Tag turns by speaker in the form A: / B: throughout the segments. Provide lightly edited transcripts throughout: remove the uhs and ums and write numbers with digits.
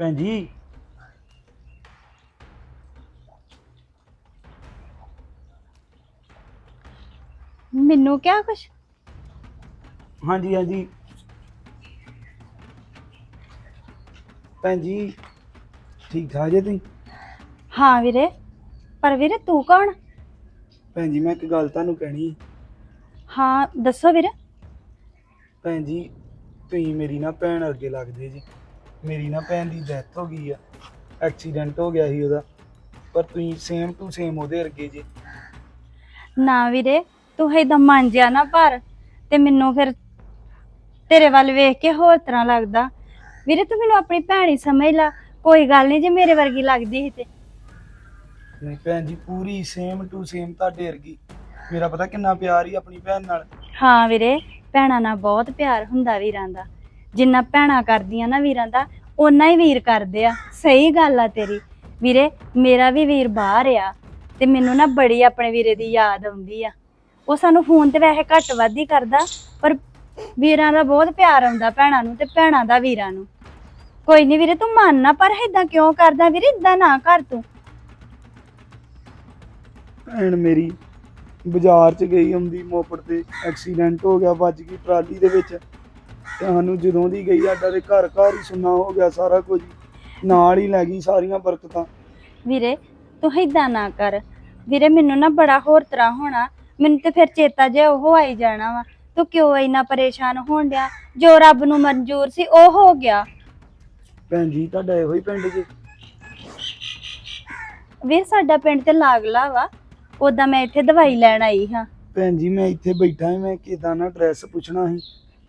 A: ਭੈਣ ਜੀ।
B: ਮੈਨੂੰ ਕਿਹਾ ਕੁਛ?
A: ਹਾਂਜੀ ਹਾਂਜੀ ਭੈਣ ਜੀ, ਠੀਕ ਠਾਕ ਜੇ ਤੁਸੀਂ?
B: ਹਾਂ ਵੀਰੇ, ਪਰ ਵੀਰੇ ਤੂੰ ਕੌਣ?
A: ਭੈਣ ਜੀ, ਮੈਂ ਇੱਕ ਗੱਲ ਤੁਹਾਨੂੰ ਕਹਿਣੀ।
B: ਹਾਂ ਦੱਸੋ ਵੀਰੇ।
A: ਭੈਣ ਜੀ, ਤੁਸੀਂ ਮੇਰੀ ਨਾ ਭੈਣ ਅੱਗੇ ਲੱਗਦੇ ਜੀ। ਮੇਰੀ ਨਾ ਭੈਣ ਦੀ ਡੈਥ ਹੋ ਗਈ ਆ, ਐਕਸੀਡੈਂਟ ਹੋ ਗਿਆ ਸੀ ਉਹਦਾ, ਪਰ ਤੁਸੀਂ ਸੇਮ ਟੂ ਸੇਮ ਉਹਦੇ ਵਰਗੇ ਜੀ।
B: ਨਾ ਵੀਰੇ, ਤੂੰ ਏਦਾਂ ਮੰਨ ਜਿਆ ਨਾ ਪਰ ਤੇ ਮੈਨੂੰ ਫਿਰ ਤੇਰੇ ਵੱਲ ਵੇਖ ਕੇ ਹੋਰ ਤਰ੍ਹਾਂ ਲੱਗਦਾ। ਵੀਰੇ ਤੂੰ ਮੈਨੂੰ ਆਪਣੀ ਭੈਣ ਹੀ ਸਮਝ ਲਾ, ਕੋਈ ਗੱਲ ਨਹੀਂ ਜੇ ਮੇਰੇ ਵਰਗੀ ਲੱਗਦੀ ਸੀ ਤੇ।
A: ਨਹੀਂ ਭੈਣ ਜੀ, ਪੂਰੀ ਸੇਮ ਟੂ ਸੇਮ ਤੁਹਾਡੇ ਵਰਗੀ। ਮੇਰਾ ਪਤਾ ਕਿੰਨਾ ਪਿਆਰ ਹੀ ਆਪਣੀ ਭੈਣ ਨਾਲ।
B: ਹਾਂ ਵੀਰੇ, ਭੈਣਾਂ ਨਾਲ ਬਹੁਤ ਪਿਆਰ ਹੁੰਦਾ ਵੀਰਾਂ ਦਾ। ਜਿੰਨਾ ਭੈਣਾਂ ਕਰਦੀਆਂ ਨਾ ਵੀਰਾਂ ਦਾ, ਓਨਾ ਹੀ ਵੀਰ ਕਰਦੇ ਆ। ਸਹੀ ਗੱਲ ਆ ਤੇਰੀ। ਵੀਰੇ ਮੇਰਾ ਵੀ ਵੀਰ ਬਾਹਰ ਆ ਤੇ ਮੈਨੂੰ ਨਾ ਬੜੀ ਆਪਣੇ ਵੀਰੇ ਦੀ ਯਾਦ ਆਉਂਦੀ ਆ। ਉਹ ਸਾਨੂੰ ਫੋਨ ਤੇ ਵੈਸੇ ਘੱਟ ਵੱਧ ਹੀ ਕਰਦਾ, ਪਰ ਵੀਰਾਂ ਦਾ ਬਹੁਤ ਪਿਆਰ ਆਉਂਦਾ ਭੈਣਾਂ ਨੂੰ ਤੇ ਭੈਣਾਂ ਦਾ ਵੀਰਾਂ ਨੂੰ। ਕੋਈ ਨਹੀਂ ਵੀਰੇ, ਤੂੰ ਮੰਨ ਨਾ, ਪਰ ਏਦਾਂ ਕਿਉਂ ਕਰਦਾ ਵੀਰੇ? ਏਦਾਂ ਨਾ ਕਰ ਤੂੰ।
A: ਭੈਣ ਮੇਰੀ ਬਾਜ਼ਾਰ 'ਚ ਗਈ ਹੁੰਦੀ ਮੋਪੜ ਤੇ, ਐਕਸੀਡੈਂਟ ਹੋ ਗਿਆ, ਵੱਜ ਗਈ ਟਰਾਲੀ ਦੇ ਵਿੱਚ। ਤੇ ਸਾਨੂੰ ਜਦੋਂ ਦੀ ਗਈ, ਸਾਡਾ ਤੇ ਘਰ ਘਰ ਹੀ ਸੁੰਨਾ ਹੋ ਗਿਆ, ਸਾਰਾ ਕੁਝ ਨਾਲ ਹੀ ਲੈ ਗਈ, ਸਾਰੀਆਂ ਬਰਕਤਾਂ।
B: ਵੀਰੇ ਤੂੰ ਏਦਾਂ ਨਾ ਕਰ ਵੀਰੇ, ਮੈਨੂੰ ਨਾ ਬੜਾ ਹੋਰ ਤਰ੍ਹਾਂ ਹੋਣਾ। ਮੈਨੂੰ ਤੇ ਫਿਰ ਚੇਤਾ ਜਿਹਾ ਉਹ ਆਈ ਜਾਣਾ ਵਾ। ਤੂੰ ਕਿਉਂ ਇੰਨਾ ਪਰੇਸ਼ਾਨ ਹੋਣ ਡਿਆ? ਜੋ ਰੱਬ ਨੂੰ ਮਨਜ਼ੂਰ ਸੀ ਉਹ ਹੋ ਗਿਆ।
A: ਭੈਣ ਜੀ, ਤੁਹਾਡਾ ਇਹੋ ਹੀ ਪਿੰਡ ਜੀ?
B: ਵੀਰ ਸਾਡਾ ਪਿੰਡ ਤੇ ਲਾਗਲਾ ਵਾ, ਉਦਾਂ ਮੈਂ ਇੱਥੇ ਦਵਾਈ ਲੈਣ ਆਈ ਹਾਂ।
A: ਭੈਣ ਜੀ, ਮੈਂ ਇੱਥੇ ਬੈਠਾ ਹਾਂ, ਮੈਂ ਕਿਦਾਂ ਨਾ ਐਡਰੈਸ ਪੁੱਛਣਾ ਸੀ।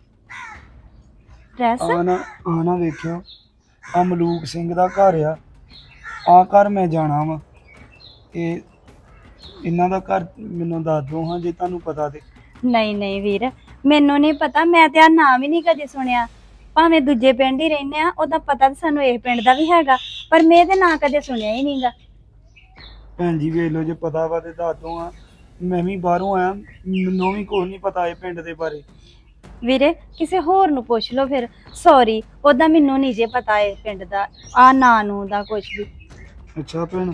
B: ਡਰੈਸ?
A: ਆ ਨਾ ਵੇਖਿਓ, ਆ ਮਲੂਕ ਸਿੰਘ ਦਾ ਘਰ ਆ ਘਰ ਮੈਂ ਜਾਣਾ ਵਾ। ਇਹ ਇਹਨਾਂ ਦਾ ਘਰ ਮੈਨੂੰ ਦੱਸ ਦਿਓ ਹਾਂ, ਜੇ ਤੁਹਾਨੂੰ ਪਤਾ ਤੇ।
B: ਨਹੀਂ ਨਹੀਂ ਵੀਰ, ਮੈਨੂੰ ਨਹੀਂ ਪਤਾ, ਮੈਂ ਤੇ ਆ ਨਾਮ ਹੀ ਨਹੀਂ ਕਦੇ ਸੁਣਿਆ। ਭਾਵੇਂ ਦੂਜੇ ਪਿੰਡ ਹੀ ਰਹਿੰਦੇ ਆ, ਉਹਦਾ ਪਤਾ ਤਾਂ ਸਾਨੂੰ ਇਹ ਪਿੰਡ ਦਾ ਵੀ ਹੈਗਾ, ਪਰ ਮੈਂ ਇਹਦੇ ਨਾਂ ਕਦੇ ਸੁਣਿਆ ਹੀ ਨਹੀਂਗਾ।
A: ਭੈਣ ਜੀ ਵੇਖ ਲਓ, ਜੇ ਪਤਾ ਵਾ ਤੇ ਦੱਸ ਦਿਓ ਹਾਂ। ਮੈਂ ਵੀ ਬਾਹਰੋਂ ਆਇਆ, ਮੈਨੂੰ ਵੀ ਕੁਛ ਨਹੀਂ ਪਤਾ ਇਹ ਪਿੰਡ ਦੇ ਬਾਰੇ।
B: ਵੀਰੇ ਕਿਸੇ ਹੋਰ ਨੂੰ ਪੁੱਛ ਲਓ ਫਿਰ। ਸੌਰੀ, ਉਹਦਾ ਮੈਨੂੰ ਨਹੀਂ ਜੇ ਪਤਾ ਇਹ ਪਿੰਡ ਦਾ ਆ ਨਾਂ ਨੂੰ ਦਾ ਕੁਝ ਵੀ।
A: ਅੱਛਾ ਭੈਣ,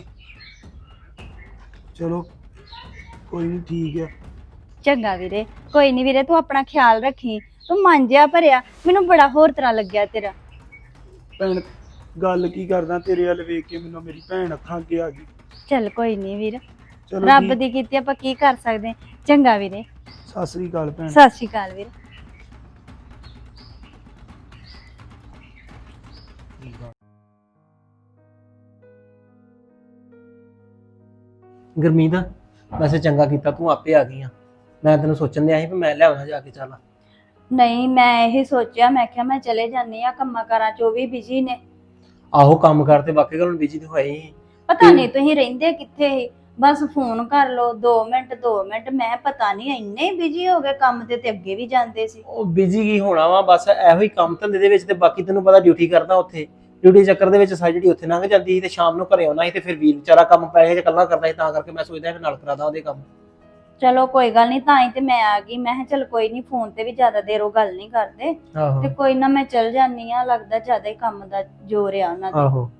A: ਚਲੋ ਕੋਈ ਨਹੀਂ, ਠੀਕ ਆ।
B: ਚੰਗਾ ਵੀਰੇ, ਕੋਈ ਨਹੀਂ ਵੀਰੇ, ਤੂੰ ਆਪਣਾ ਖਿਆਲ ਰੱਖੀ। ਤੂੰ ਮਨ ਜਿਹਾ ਭਰਿਆ, ਮੈਨੂੰ ਬੜਾ ਹੋਰ ਤਰ੍ਹਾਂ ਲੱਗਿਆ ਤੇਰਾ।
A: ਭੈਣ, ਗੱਲ ਕੀ ਕਰਦਾ, ਤੇਰੇ ਵੱਲ ਵੇਖ ਕੇ ਮੈਨੂੰ ਮੇਰੀ ਭੈਣ ਅੱਖਾਂ ਅੱਗੇ ਆ ਗਈ।
B: ਚੱਲ ਕੋਈ ਨਹੀਂ ਵੀਰ,
A: ਚਲੋ
B: ਰੱਬ
A: ਠੀਕ।
B: ਦੀ ਕੀਤੀ ਆਪਾਂ ਕੀ ਕਰ ਸਕਦੇ। ਚੰਗਾ ਵੀਰੇ,
A: ਸਤਿ ਸ੍ਰੀ ਅਕਾਲ ਭੈਣ।
B: ਸਤਿ ਸ਼੍ਰੀ ਅਕਾਲ ਵੀਰੇ।
C: ਗੁਰਮੀਤ, ਵੈਸੇ ਚੰਗਾ ਕੀਤਾ ਤੂੰ ਆਪੇ ਆ ਗਈ ਆ। ਮੈਂ ਤੈਨੂੰ ਸੋਚਣ ਦਿਆ ਸੀ ਵੀ ਮੈਂ ਲਿਆਉਣਾ ਜਾ ਕੇ। ਚੱਲ
B: ਨਹੀਂ, ਮੈਂ ਇਹ ਸੋਚਿਆ, ਮੈਂ ਕਿਹਾ ਮੈਂ ਚਲੇ ਜਾਂਦੀ ਆ, ਕੰਮਾਂ ਕਾਰਾਂ ਚ ਉਹ ਵੀ ਬਿਜੀ ਨੇ।
C: ਆਹੋ, ਕੰਮ ਕਰਦੇ ਵਾਕਈ ਗੱਲ ਬਿਜੀ ਤੇ ਹੋਏ ਹੀ।
B: ਪਤਾ ਨਹੀਂ ਤੁਸੀਂ ਰਹਿੰਦੇ ਕਿੱਥੇ ਸੀ, ਬਸ ਫੋਨ ਕਰ ਲਓ 2 ਮਿੰਟ 2 ਮਿੰਟ। ਮੈਂ ਪਤਾ ਨਹੀਂ ਇੰਨੇ ਬਿਜੀ ਹੋ ਗਏ ਕੰਮ ਤੇ ਅੱਗੇ ਵੀ ਜਾਂਦੇ ਸੀ।
C: ਉਹ ਬਿਜੀ ਕੀ ਹੋਣਾ ਵਾ, ਬਸ ਇਹੋ ਹੀ ਕੰਮ ਧੰਦੇ ਦੇ ਵਿੱਚ। ਤੇ ਬਾਕੀ ਤੈਨੂੰ ਪਤਾ ਡਿਊਟੀ ਕਰਦਾ ਉੱਥੇ, ਡਿਊਟੀ ਚੱਕਰ ਦੇ ਵਿੱਚ ਸਾਰੀ ਜਿਹੜੀ ਉੱਥੇ ਲੰਘ ਜਾਂਦੀ ਸੀ, ਤੇ ਸ਼ਾਮ ਨੂੰ ਘਰੇ ਆਉਣਾ ਸੀ, ਤੇ ਫਿਰ ਵੀਰ ਵਿਚਾਰਾ ਕੰਮ ਪੈ ਜਾਂ ਇਕੱਲਾ ਕਰਦਾ ਸੀ, ਤਾਂ ਕਰਕੇ ਮੈਂ ਸੋਚਦਾ ਨਾਲ ਕਰਾਦਾ ਉਹਦੇ ਕੰਮ।
B: ਚਲੋ ਕੋਈ ਗੱਲ ਨਹੀਂ, ਤਾਂ ਹੀ ਤੇ ਮੈਂ ਆ ਗਈ। ਮੈਂ ਕਿਹਾ ਚਲ ਕੋਈ ਨਹੀਂ, ਫੋਨ ਤੇ ਵੀ ਜ਼ਿਆਦਾ ਦੇਰ ਉਹ ਗੱਲ ਨਹੀਂ ਕਰਦੇ,
C: ਆਹੋ
B: ਤੇ ਕੋਈ ਨਾ ਮੈਂ ਚਲ ਜਾਨੀ ਆ। ਲੱਗਦਾ ਜ਼ਿਆਦਾ ਹੀ ਕੰਮ ਦਾ ਜ਼ੋਰ ਆ ਉਹਨਾਂ ਦਾ।
C: ਆਹੋ।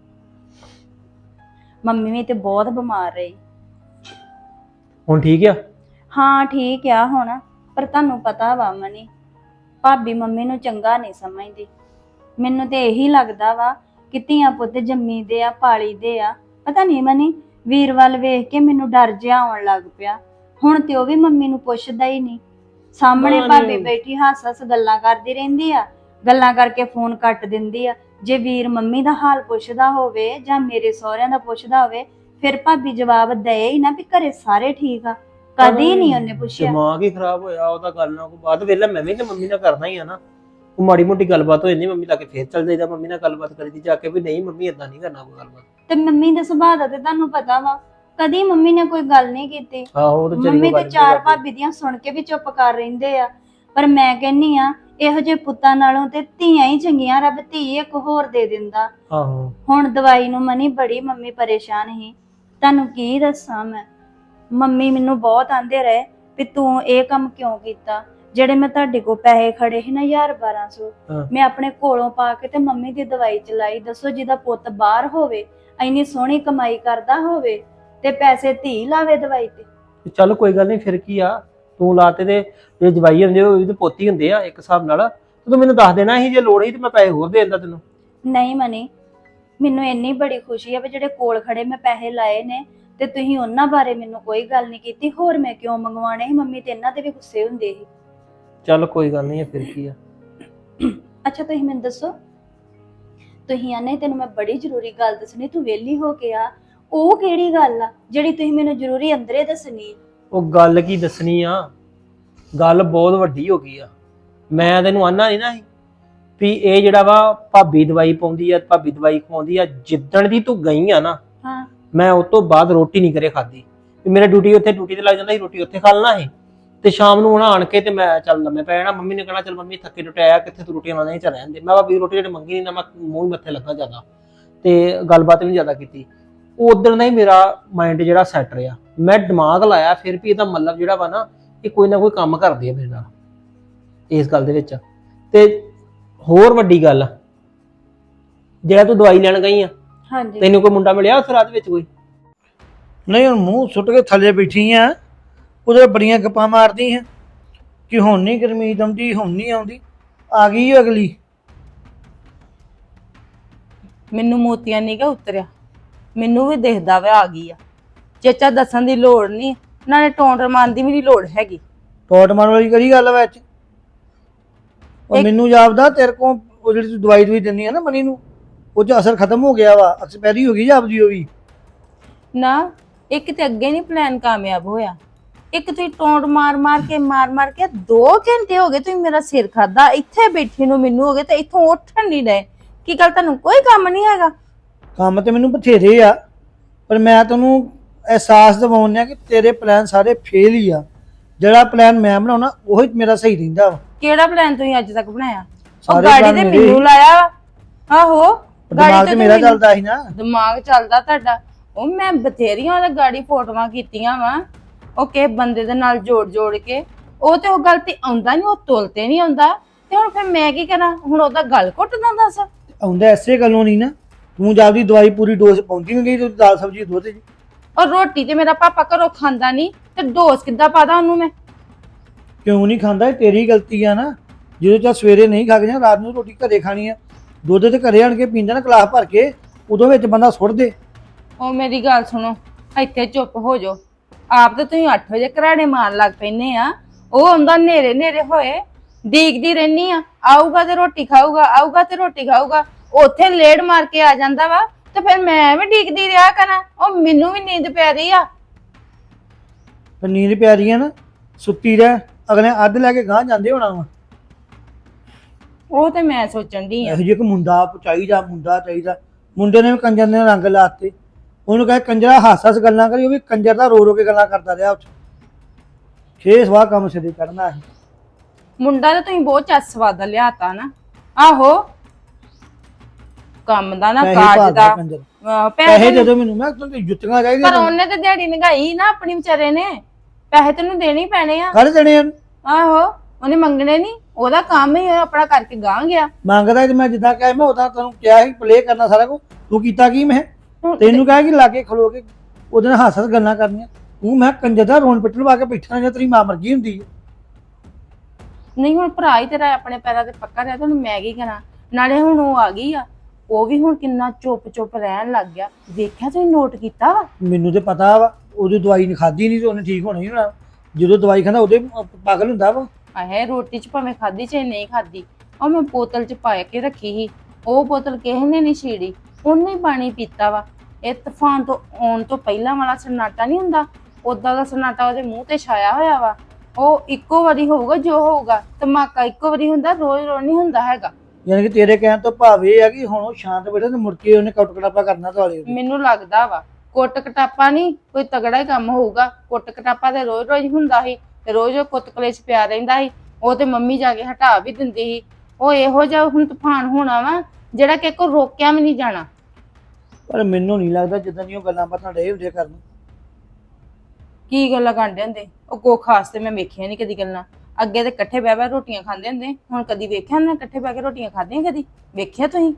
B: ਮੰਮੀ ਵੀ ਤੇ ਬਹੁਤ ਬਿਮਾਰ ਰਹੀ।
C: ਹੁਣ ਠੀਕ ਆ?
B: ਹਾਂ ਠੀਕ ਆ ਹੁਣ, ਪਰ ਤੁਹਾਨੂੰ ਪਤਾ ਵਾ ਮਨੀ, ਭਾਬੀ ਮੰਮੀ ਨੂੰ ਚੰਗਾ ਨਹੀਂ ਸਮਝਦੀ। ਮੈਨੂੰ ਤੇ ਇਹੀ ਲੱਗਦਾ ਵਾ ਕਿ ਧੀਆਂ ਪੁੱਤ ਜੰਮੀ ਦੇ ਆ, ਪਾਲੀ ਦੇ ਆ। ਪਤਾ ਨਹੀਂ ਮਨੀ, ਵੀਰ ਵੱਲ ਵੇਖ ਕੇ ਮੈਨੂੰ ਡਰ ਜਿਹਾ ਆਉਣ ਲੱਗ ਪਿਆ। ਹੁਣ ਤੇ ਉਹ ਵੀ ਮੰਮੀ ਨੂੰ ਪੁੱਛਦਾ ਹੀ ਨਹੀਂ। ਸਾਹਮਣੇ ਭਾਬੀ ਬੈਠੀ ਹੱਸ ਹੱਸ ਗੱਲਾਂ ਕਰਦੀ ਰਹਿੰਦੀ ਆ, ਗੱਲਾਂ ਕਰਕੇ ਫੋਨ ਕੱਟ ਦਿੰਦੀ ਆ। ਜੇ ਵੀਰ ਮੰਮੀ ਦਾ ਹਾਲ ਪੁੱਛਦਾ ਹੋਵੇ ਜਾਂ ਮੇਰੇ ਸਹੁਰਿਆਂ ਦਾ ਪੁੱਛਦਾ ਹੋਵੇ, ਫਿਰ ਭਾਬੀ ਜਵਾਬ ਦੇ ਹੀ ਨਾ ਵੀ ਘਰੇ ਸਾਰੇ ਠੀਕ ਆ। ਕਦੀ ਨਹੀਂ ਉਹਨੇ ਪੁੱਛਿਆ।
C: ਦਿਮਾਗ ਹੀ ਖਰਾਬ ਹੋਇਆ ਉਹਦਾ। ਗੱਲ ਨਾਲ ਬਾਅਦ ਵੇਲੇ ਮੈਂ ਵੀ ਤੇ ਮੰਮੀ ਨਾਲ ਕਰਨਾ ਹੀ ਆ ਨਾ। ਉਹ ਮਾੜੀ ਮੋਟੀ ਗੱਲਬਾਤ ਹੋ ਜਾਂਦੀ ਮੰਮੀ ਲਾ ਕੇ, ਫੇਰ ਚੱਲ ਜਾਈਦਾ ਮੰਮੀ ਨਾਲ ਗੱਲਬਾਤ ਕਰੀਦੀ ਜਾ ਕੇ ਵੀ ਨਹੀਂ ਮੰਮੀ ਏਦਾਂ ਨਹੀਂ ਕਰਨਾ ਕੋਈ ਗੱਲਬਾਤ।
B: ਤੇ ਮੰਮੀ ਦੇ ਸੁਭਾਅ ਦਾ ਤੇ ਤੁਹਾਨੂੰ ਪਤਾ ਵਾ, ਕਦੀ ਮੰਮੀ ਨੇ ਕੋਈ ਗੱਲ ਨਹੀਂ ਕੀਤੀ।
C: ਆਹੋ, ਤੇ
B: ਮੰਮੀ ਤੇ 4 ਭਾਬੀ ਦੀਆਂ ਸੁਣ ਕੇ ਵੀ ਚੁੱਪ ਕਰ ਰਹਿੰਦੇ ਆ। ਪਰ ਮੈਂ ਕਹਿੰਨੀ ਆ, ਇਹੋ ਜਿਹੇ ਪੁੱਤਾਂ ਨਾਲੋਂ ਤੇ ਧੀਆਂ ਹੀ ਚੰਗੀਆਂ। ਰੱਬ ਧੀ ਇੱਕ ਹੋਰ ਦੇ ਦਿੰਦਾ।
C: ਆਹੋ।
B: ਹੁਣ ਦਵਾਈ ਨੂੰ ਮਨੀ ਬੜੀ ਮੰਮੀ ਪਰੇਸ਼ਾਨ ਸੀ, ਤੁਹਾਨੂੰ ਕੀ ਦੱਸਾਂ ਮੈਂ। ਮੰਮੀ ਮੈਨੂੰ ਬਹੁਤ ਆਂਦੇ ਰਹੇ ਵੀ ਤੂੰ ਇਹ ਕੰਮ ਕਿਉਂ ਕੀਤਾ, ਜਿਹੜੇ ਮੈਂ ਤੁਹਾਡੇ ਕੋਲ ਪੈਸੇ ਖੜੇ ਸੀ ਨਾ 1000-1200
C: ਹਾਂ।
B: ਮੈਂ ਆਪਣੇ ਕੋਲੋਂ ਪਾ ਕੇ ਤੇ ਮੰਮੀ ਦੀ ਦਵਾਈ ਚਲਾਈ। ਦੱਸੋ ਜਿਹਦਾ ਪੁੱਤ ਬਾਹਰ ਹੋਵੇ, ਇੰਨੀ ਸੋਹਣੀ ਕਮਾਈ ਕਰਦਾ ਹੋਵੇ ਤੇ ਪੈਸੇ ਧੀ ਲਾਵੇ ਦਵਾਈ ਤੇ।
C: ਚੱਲ ਕੋਈ ਗੱਲ ਨਹੀਂ, ਫਿਰ ਕੀ ਆ, ਤੂੰ ਲਾਤੇ ਤੇ ਜੇ ਜਵਾਈ ਹੁੰਦੇ ਉਹ ਇਹਦੇ ਪੋਤੀ ਹੁੰਦੇ ਆ ਇੱਕ ਹਿਸਾਬ ਨਾਲ। ਤੂੰ ਮੈਨੂੰ ਦੱਸ ਦੇਣਾ ਸੀ, ਜੇ ਲੋੜ ਸੀ ਤੇ ਮੈਂ ਪੈਸੇ ਹੋਰ ਦੇ ਦਿੰਦਾ ਤੈਨੂੰ।
B: ਨਹੀਂ ਮਨੀ, ਮੈਨੂੰ ਇੰਨੀ ਬੜੀ ਖੁਸ਼ੀ ਆ ਵੀ ਜਿਹੜੇ ਕੋਲ ਖੜੇ ਮੈਂ ਪੈਸੇ ਲਾਏ ਨੇ ਤੇ ਤੁਸੀਂ ਉਹਨਾਂ ਬਾਰੇ ਮੈਨੂੰ ਕੋਈ ਗੱਲ ਨਹੀਂ ਕੀਤੀ। ਹੋਰ ਮੈਂ ਕਿਉਂ ਮੰਗਵਾਣੇ ਸੀ? ਮੰਮੀ ਤੇ ਇਹਨਾਂ ਤੇ ਵੀ ਗੁੱਸੇ ਹੁੰਦੇ ਸੀ।
C: ਚੱਲ ਕੋਈ ਗੱਲ ਨਹੀਂ, ਫਿਰ ਕੀ ਆ।
B: ਅੱਛਾ ਤੁਸੀਂ ਮੈਨੂੰ ਦੱਸੋ, ਤੁਸੀਂ ਆਨੇ ਤੈਨੂੰ ਮੈਂ ਬੜੀ ਜ਼ਰੂਰੀ ਗੱਲ ਦੱਸਣੀ, ਤੂੰ ਵਿਹਲੀ ਹੋ ਕੇ ਆ। ਉਹ ਕਿਹੜੀ ਗੱਲ ਆ ਜਿਹੜੀ ਤੁਸੀਂ ਮੈਨੂੰ ਜ਼ਰੂਰੀ ਅੰਦਰੇ ਦੱਸਣੀ?
C: ਉਹ ਗੱਲ ਕੀ ਦੱਸਣੀ ਆ, ਗੱਲ ਬਹੁਤ ਵੱਡੀ ਹੋ ਗਈ ਆ। ਮੈਂ ਤੈਨੂੰ ਆਨਾ ਨਹੀਂ ਨਾ ਸੀ ਵੀ ਇਹ ਜਿਹੜਾ ਵਾ ਭਾਬੀ ਦਵਾਈ ਪਾਉਂਦੀ ਆ, ਭਾਬੀ ਦਵਾਈ ਖਵਾਉਂਦੀ ਆ। ਜਿੱਦਣ ਦੀ ਤੂੰ ਗਈ ਆ ਨਾ,
B: ਹਾਂ,
C: ਮੈਂ ਉਸ ਤੋਂ ਬਾਅਦ ਰੋਟੀ ਨਹੀਂ ਕਰੇ ਖਾਦੀ। ਮੇਰਾ ਡਿਊਟੀ ਤੇ ਲੱਗ ਜਾਂਦਾ ਸੀ, ਰੋਟੀ ਉੱਥੇ ਖਾ ਲੈਣਾ ਸੀ ਤੇ ਸ਼ਾਮ ਨੂੰ ਹੁਣ ਆਣ ਕੇ ਤੇ ਮੈਂ ਚੱਲ ਲੰਮੇ ਪੈ ਜਾਣਾ। ਮੰਮੀ ਨੇ ਕਹਿਣਾ ਚੱਲ ਮੰਮੀ ਥੱਕੇ ਟੁੱਟੇ ਆਇਆ, ਕਿੱਥੇ ਤੂੰ ਰੋਟੀ ਖਾਣਾ, ਨਹੀਂ ਚੱਲ ਰਹਿਣ ਦੇ। ਮੈਂ ਭਾਬੀ ਰੋਟੀ ਜਿਹੜੀ ਮੰਗੀ ਨਹੀਂ ਨਾ, ਮੈਂ ਮੂੰਹ ਹੀ ਮੱਥੇ ਲੱਗਾ ਜ਼ਿਆਦਾ ਤੇ ਗੱਲਬਾਤ ਵੀ ਨਹੀਂ ਜ਼ਿਆਦਾ ਕੀਤੀ। ਉਦੋਂ ਦਾ ਹੀ ਮੇਰਾ ਮਾਈਂਡ ਜਿਹੜਾ ਸੈਟ ਰਿਹਾ। ਮੈਂ ਦਿਮਾਗ ਲਾਇਆ ਫਿਰ ਵੀ ਇਹਦਾ ਮਤਲਬ ਜਿਹੜਾ ਵਾ ਨਾ, ਇਹ ਕੋਈ ਨਾ ਕੋਈ ਕੰਮ ਕਰਦੀ ਹੈ ਮੇਰੇ ਨਾਲ ਇਸ ਗੱਲ ਦੇ ਵਿੱਚ। ਤੇ ਹੋਰ ਵੱਡੀ ਗੱਲ, ਜਿਹੜਾ ਤੂੰ ਦਵਾਈ ਲੈਣ ਗਈ ਆ,
B: ਹਾਂਜੀ,
C: ਤੈਨੂੰ ਕੋਈ ਮੁੰਡਾ ਮਿਲਿਆ ਉੱਥੇ ਰਾਤ ਵਿੱਚ ਕੋਈ?
D: ਨਹੀਂ ਹੁਣ ਮੂੰਹ ਸੁੱਟ ਕੇ ਥੱਲੇ ਬੈਠੀ ਆ, ਉਹਦੇ ਬੜੀਆਂ ਗੱਪਾਂ ਮਾਰਦੀ ਆ ਕਿ ਹੁਣ ਨਹੀਂ ਗਰਮੀਤ ਆਉਂਦੀ, ਹੁਣ ਨਹੀਂ ਆਉਂਦੀ। ਆ ਗਈ ਓ ਅਗਲੀ।
E: ਮੈਨੂੰ ਮੋਤੀਆਂ ਨਹੀਂ ਗਾ ਉਤਰਿਆ, ਮੈਨੂੰ ਵੀ ਦਿਖਦਾ ਵਾ ਆ ਗਈ ਆ। ਚੇਚਾ ਦੱਸਣ ਦੀ ਲੋੜ ਨਹੀਂ, ਨਾਲੇ ਟੌਂਟਰ ਮਾਰਨ ਦੀ ਵੀ ਨਹੀਂ ਲੋੜ ਹੈਗੀ।
D: ਟੋਟ ਮਾਰਨ ਵਾਲੀ ਕਿਹੜੀ ਗੱਲ ਵਿੱਚ? ਉਹ
E: ਇੱਕ-
D: ਮੈਨੂੰ ਜਾਪਦਾ ਤੇਰੇ ਕੋਲ ਉਹ ਜਿਹੜੀ ਤੂੰ ਦਵਾਈ ਦਿੰਦੀ ਆ ਨਾ ਮਨੀ ਨੂੰ, ਉਹ 'ਚ ਅਸਰ ਖਤਮ ਹੋ ਗਿਆ ਵਾ, ਐਕਸਪਾਇਰੀ ਹੋ ਗਈ ਜਾਪਦੀ ਉਹ ਵੀ।
E: ਨਾ, ਇੱਕ ਤੇ ਅੱਗੇ ਨਹੀਂ ਪਲਾਨ ਕਾਮਯਾਬ ਹੋਇਆ, ਇੱਕ ਤੁਸੀਂ ਟੌਂਟ ਮਾਰ ਮਾਰ ਕੇ 2 ਘੰਟੇ ਹੋ ਗਏ ਤੁਸੀਂ ਮੇਰਾ ਸਿਰ ਖਾਦਾ। ਇੱਥੇ ਬੈਠੀ ਨੂੰ ਮੈਨੂੰ ਹੋ ਗਏ ਤੇ ਇੱਥੋਂ ਉੱਠਣ ਨਹੀਂ ਡਏ। ਕੀ ਗੱਲ, ਤੁਹਾਨੂੰ ਕੋਈ ਕੰਮ ਨਹੀਂ ਹੈਗਾ?
D: ਕੰਮ ਤੇ ਮੈਨੂੰ ਬਥੇਰੇ ਆ, ਪਰ ਮੈਂ ਤੈਨੂੰ ਅਹਿਸਾਸ ਦਿਵਾਉਣਾ ਕਿ ਤੇਰੇ ਪਲਾਨ ਸਾਰੇ ਫੇਲ ਹੀ ਆ। ਜਿਹੜਾ ਪਲਾਨ ਮੈਂ ਬਣਾਉਣਾ ਉਹੀ ਮੇਰਾ ਸਹੀ ਰਹਿੰਦਾ ਵਾ।
E: ਕਿਹੜਾ ਪਲਾਨ ਤੁਸੀਂ ਅੱਜ ਤੱਕ ਬਣਾਇਆ? ਉਹ
D: ਸਾਰੇ
E: ਗਾੜੀ
D: plan
E: ਤੇ
D: ਮੇਰੇ
E: ਮੈਨੂੰ
D: ਹੀ।
E: ਲਾਇਆ ਵਾ। ਆਹੋ,
D: ਦਿਮਾਗ ਤੇ ਮੇਰਾ
E: ਮੈਨੂੰ-
D: ਚੱਲਦਾ ਸੀ ਨਾ।
E: ਦਿਮਾਗ ਚੱਲਦਾ ਤੁਹਾਡਾ। ਉਹ ਮੈਂ ਬਥੇਰੀਆਂ ਉਹਦਾ ਗਾੜੀ ਫੋਟੋਆਂ ਕੀਤੀਆਂ ਵਾ, ਉਹ ਕਿਸੇ ਬੰਦੇ ਦੇ ਨਾਲ ਜੋੜ ਕੇ। ਉਹ ਤੇ ਉਹ ਗੱਲ ਤੇ ਆਉਂਦਾ ਨਹੀਂ, ਉਹ ਤੁਲ ਤੇ ਨਹੀਂ ਆਉਂਦਾ। ਤੇ ਹੁਣ ਫਿਰ ਮੈਂ ਕੀ ਕਰਾਂ? ਹੁਣ ਉਹਦਾ ਗੱਲ ਘੁੱਟਦਾ ਦੱਸ।
D: ਆਉਂਦਾ ਐਸੇ ਗੱਲੋਂ ਨਹੀਂ ਨਾ, ਤੂੰ ਜਾਂਦੀ ਦਵਾਈ ਪੂਰੀ ਡੋਜ਼ ਪਹੁੰਚੀ ਨਹੀਂ ਗਈ, ਤੂੰ ਦਾਲ ਸਬਜ਼ੀ ਦੁੱਧ ਜੀ।
E: ਔਰ ਰੋਟੀ ਤੇ ਮੇਰਾ ਪਾਪਾ ਘਰੋਂ ਖਾਂਦਾ ਨਹੀਂ, ਤੇ ਡੋਸ ਕਿੱਦਾਂ ਪਾਦਾ ਉਹਨੂੰ ਮੈਂ?
D: ਕਿਉਂ ਨਹੀਂ ਖਾਂਦਾ? ਇਹ ਤੇਰੀ ਗਲਤੀ ਆ ਨਾ। ਜਦੋਂ ਚਾ ਸਵੇਰੇ ਨਹੀਂ ਖਾ ਕੇ ਜਾਂ ਰਾਤ ਨੂੰ ਰੋਟੀ ਘਰੇ ਖਾਣੀ ਆ, ਦੁੱਧ ਤੇ ਘਰੇ ਆਣ ਕੇ ਪੀਂਦਾ ਨਾ ਗਲਾਸ ਭਰ ਕੇ, ਉਦੋਂ ਵਿੱਚ ਬੰਦਾ ਸੁੱਟ ਦੇ।
E: ਉਹ ਮੇਰੀ ਗੱਲ ਸੁਣੋ, ਇੱਥੇ ਚੁੱਪ ਹੋ ਜਾਓ। ਆਪ ਤੇ ਤੁਸੀਂ 8 ਵਜੇ ਘਰਾੜੇ ਮਾਰਨ ਲੱਗ ਪੈਨੇ ਆ। ਉਹ ਆਉਂਦਾ ਨੇਰੇ ਹੋਏ, ਡੀਕਦੀ ਰਹਿਨੀ ਆ, ਆਊਗਾ ਤੇ ਰੋਟੀ ਖਾਊਗਾ, ਆਊਗਾ ਤੇ ਰੋਟੀ ਖਾਊਗਾ। ਉੱਥੇ ਲੇੜ ਮਾਰ ਕੇ ਆ ਜਾਂਦਾ ਵਾ, ਤੇ ਫਿਰ ਮੈਂ ਐਵੇਂ ਡੀਕਦੀ ਰਿਹਾ ਕਰਾਂ? ਉਹ ਮੈਨੂੰ ਵੀ ਨੀਂਦ ਪੈ ਰਹੀ ਆ।
D: ਫਿਰ ਨੀਂਦ ਪਿਆ ਰਹੀ ਆ ਨਾ, ਸੁੱਤੀ ਰਹਿ। ਅਗਲੇ ਅੱਧ ਲੈ ਕੇ ਗਾਂਹ ਜਾਂਦੇ ਹੋਣਾ ਵਾ।
E: ਉਹ ਤੇ ਮੈਂ ਸੋਚਣ ਦੀ ਆ।
D: ਇਹੋ ਜਿਹੇ ਇੱਕ ਮੁੰਡਾ ਚਾਹੀਦਾ। ਮੁੰਡੇ ਨੇ ਵੀ ਕੰਜਰ ਨੇ ਰੰਗ ਲਾਤੇ। ਉਹਨੂੰ ਕਹੇ ਕੰਜਰਾ ਹੱਸ ਗੱਲਾਂ ਕਰੀ, ਉਹ ਵੀ ਕੰਜਰ ਦਾ ਰੋ ਕੇ ਗੱਲਾਂ ਕਰਦਾ ਰਿਹਾ ਉੱਥੇ। 6 ਸਵਾਹ ਕੰਮ ਸਿਰੇ ਕਰਨਾ ਹੈ।
E: ਮੁੰਡਾ ਤਾਂ ਤੁਸੀਂ ਬਹੁਤ ਚੱਸ ਸਵਾਦਾ ਲਿਆਤਾ ਨਾ। ਆਹੋ, ਕੰਮ ਦਾ ਨਾ
D: ਪੈਸੇ
E: ਕਾਜ
D: ਭਾਲਦਾ
E: ਦਾ।
D: ਕੰਜਰ।
E: ਪੈਸੇ
D: ਪੈਸੇ ਦੇ ਦਿਓ ਮੈਨੂੰ, ਮੈਂ ਤੁਹਾਨੂੰ ਜੁੱਤੀਆਂ
E: ਪਰ
D: ਚਾਹੀਦੀਆਂ।
E: ਉਹਨੇ ਤੇ ਦਿਹਾੜੀ ਨਗਾਈ ਨਾ ਆਪਣੀ ਵਿਚਾਰੇ ਨੇ। ਪੈਸੇ ਤੈਨੂੰ ਦੇਣੇ ਹੀ ਪੈਣੇ ਆ।
D: ਕਰ ਦੇਣੇ ਆ।
E: ਆਹੋ, ਉਹਨੇ ਮੰਗਣੇ ਨਹੀਂ, ਉਹਦਾ ਕੰਮ ਹੀ ਆਪਣਾ ਕਰਕੇ ਗਾਂ ਗਿਆ।
D: ਮੰਗਦਾ ਤੇ ਮੈਂ ਜਿੱਦਾਂ ਕਿਹਾ ਮੈਂ ਉਦਾਂ ਤੈਨੂੰ ਕਿਹਾ ਸੀ ਪਲੇ ਕਰਨਾ ਸਾਰਾ ਕੁਝ। ਤੂੰ ਕੀਤਾ ਕੀ? ਮੈਂ
E: ਹੁਣ
D: ਤੈਨੂੰ ਕਿਹਾ ਕਿ ਲਾਗੇ ਖਲੋ ਕੇ ਉਹਦੇ ਨਾਲ ਹੱਸ ਗੱਲਾਂ ਕਰਨੀਆਂ। ਤੂੰ ਮੈਂ ਕੰਜਰ ਦਾ ਰੋਣ ਪਿੱਟਣ ਵਾ ਕੇ ਬੈਠਾ ਜਾਂ ਤੇਰੀ ਮਾਂ ਮਰ ਗਈ ਹੁੰਦੀ ਹੈ।
E: ਨਹੀਂ, ਹੁਣ ਭਰਾ ਹੀ ਤੇਰਾ ਆਪਣੇ ਪੈਰਾਂ ਤੇ ਪੱਕਾ ਰਿਹਾ, ਤੁਹਾਨੂੰ ਮੈਂ ਕੀ ਕਰਾਂ? ਨਾਲੇ ਹੁਣ ਉਹ ਆ ਗਈ ਆ, ਉਹ ਵੀ ਹੁਣ ਕਿੰਨਾ ਚੁੱਪ ਰਹਿਣ ਲੱਗ ਗਿਆ। ਵੇਖਿਆ ਤੁਸੀਂ, ਨੋਟ ਕੀਤਾ ਵਾ?
D: ਮੈਨੂੰ ਤੇ ਪਤਾ ਵਾ, ਉਹਦੀ ਦਵਾਈ ਨਹੀਂ ਖਾਧੀ ਨਹੀਂ ਤੇ ਉਹਨੇ ਠੀਕ ਹੋਣਾ ਹੀ ਹੋਣਾ। ਜਦੋਂ ਦਵਾਈ ਖਾਂਦਾ ਉਹਦੇ ਪਾਗਲ ਹੁੰਦਾ ਵਾ।
E: ਆਹੇ, ਰੋਟੀ ਚ ਭਾਵੇਂ ਖਾਧੀ ਚਾਹੇ ਨਹੀਂ ਖਾਧੀ, ਉਹ ਮੈਂ ਬੋਤਲ ਚ ਪਾ ਕੇ ਰੱਖੀ ਸੀ। ਉਹ ਬੋਤਲ ਕਿਸੇ ਨੇ ਨਹੀਂ ਛੀੜੀ, ਉਹਨੇ ਹੀ ਪਾਣੀ ਪੀਤਾ ਵਾ। ਇਹ ਤੂਫਾਨ ਤੋਂ ਆਉਣ ਤੋਂ ਪਹਿਲਾਂ ਵਾਲਾ ਸਨਾਟਾ ਨਹੀਂ ਹੁੰਦਾ, ਉਦਾਂ ਦਾ ਸਨਾਟਾ ਉਹਦੇ ਮੂੰਹ ਤੇ ਛਾਇਆ ਹੋਇਆ ਵਾ। ਉਹ ਇੱਕੋ ਵਾਰੀ ਹੋਊਗਾ ਜੋ ਹੋਊਗਾ, ਧਮਾਕਾ ਇੱਕੋ ਵਾਰੀ ਹੁੰਦਾ, ਰੋਜ਼ ਨਹੀਂ ਹੁੰਦਾ ਹੈਗਾ।
D: ਯਾਨੀ ਕਿ ਤੇਰੇ ਕਹਿਣ ਤੋਂ ਭਾਵ ਇਹ ਆ ਕਿ ਹੁਣ ਉਹ ਸ਼ਾਂਤ ਬੈਠਾ ਤੇ ਮੁੜ ਕੇ ਉਹਨੇ ਕੱਟ ਕਟਾਪਾ ਕਰਨਾ ਤੁਹਾਡੇ।
E: ਮੈਨੂੰ ਲੱਗਦਾ ਵਾ ਕੁੱਟ ਕਟਾਪਾ ਨਹੀਂ, ਕੋਈ ਤਗੜਾ ਹੀ ਕੰਮ ਹੋਊਗਾ। ਕੁੱਟ ਕਟਾਪਾ ਤੇ ਰੋਜ਼ ਹੁੰਦਾ ਸੀ, ਤੇ ਰੋਜ਼ ਉਹ ਕੁੱਤ ਕਲੇਸ਼ ਪਿਆ ਰਹਿੰਦਾ ਸੀ। ਉਹ ਤੇ ਮੰਮੀ ਜਾ ਕੇ ਹਟਾ ਵੀ ਦਿੰਦੀ ਸੀ। ਉਹ ਇਹੋ ਜਿਹਾ ਹੁਣ ਤੂਫਾਨ ਹੋਣਾ ਵਾ ਜਿਹੜਾ ਕਿ ਕੋਈ ਰੋਕਿਆ ਵੀ ਨਹੀਂ ਜਾਣਾ।
D: ਪਰ ਮੈਨੂੰ ਨਹੀਂ ਲੱਗਦਾ ਜਿੱਦਾਂ ਦੀਆਂ ਉਹ ਗੱਲਾਂ ਬਾਤਾਂ ਡੇ ਹੁੰਦੇ ਕਰਨ।
E: ਕੀ ਗੱਲਾਂ ਕਰਦੇ ਹੁੰਦੇ? ਉਹ ਕੋ ਖਾਸ ਤੇ ਮੈਂ ਵੇਖਿਆ ਨਹੀਂ ਕਦੀ ਗੱਲਾਂ। ਅੱਗੇ ਤੇ ਇਕੱਠੇ ਬਹਿ ਬਹਿ ਰੋਟੀਆਂ ਖਾਂਦੇ ਹੁੰਦੇ, ਹੁਣ ਕਦੀ ਵੇਖਿਆ ਨਾ ਇਕੱਠੇ ਬਹਿ ਕੇ ਰੋਟੀਆਂ ਖਾਧੀਆਂ? ਕਦੀ ਵੇਖਿਆ ਤੁਸੀਂ?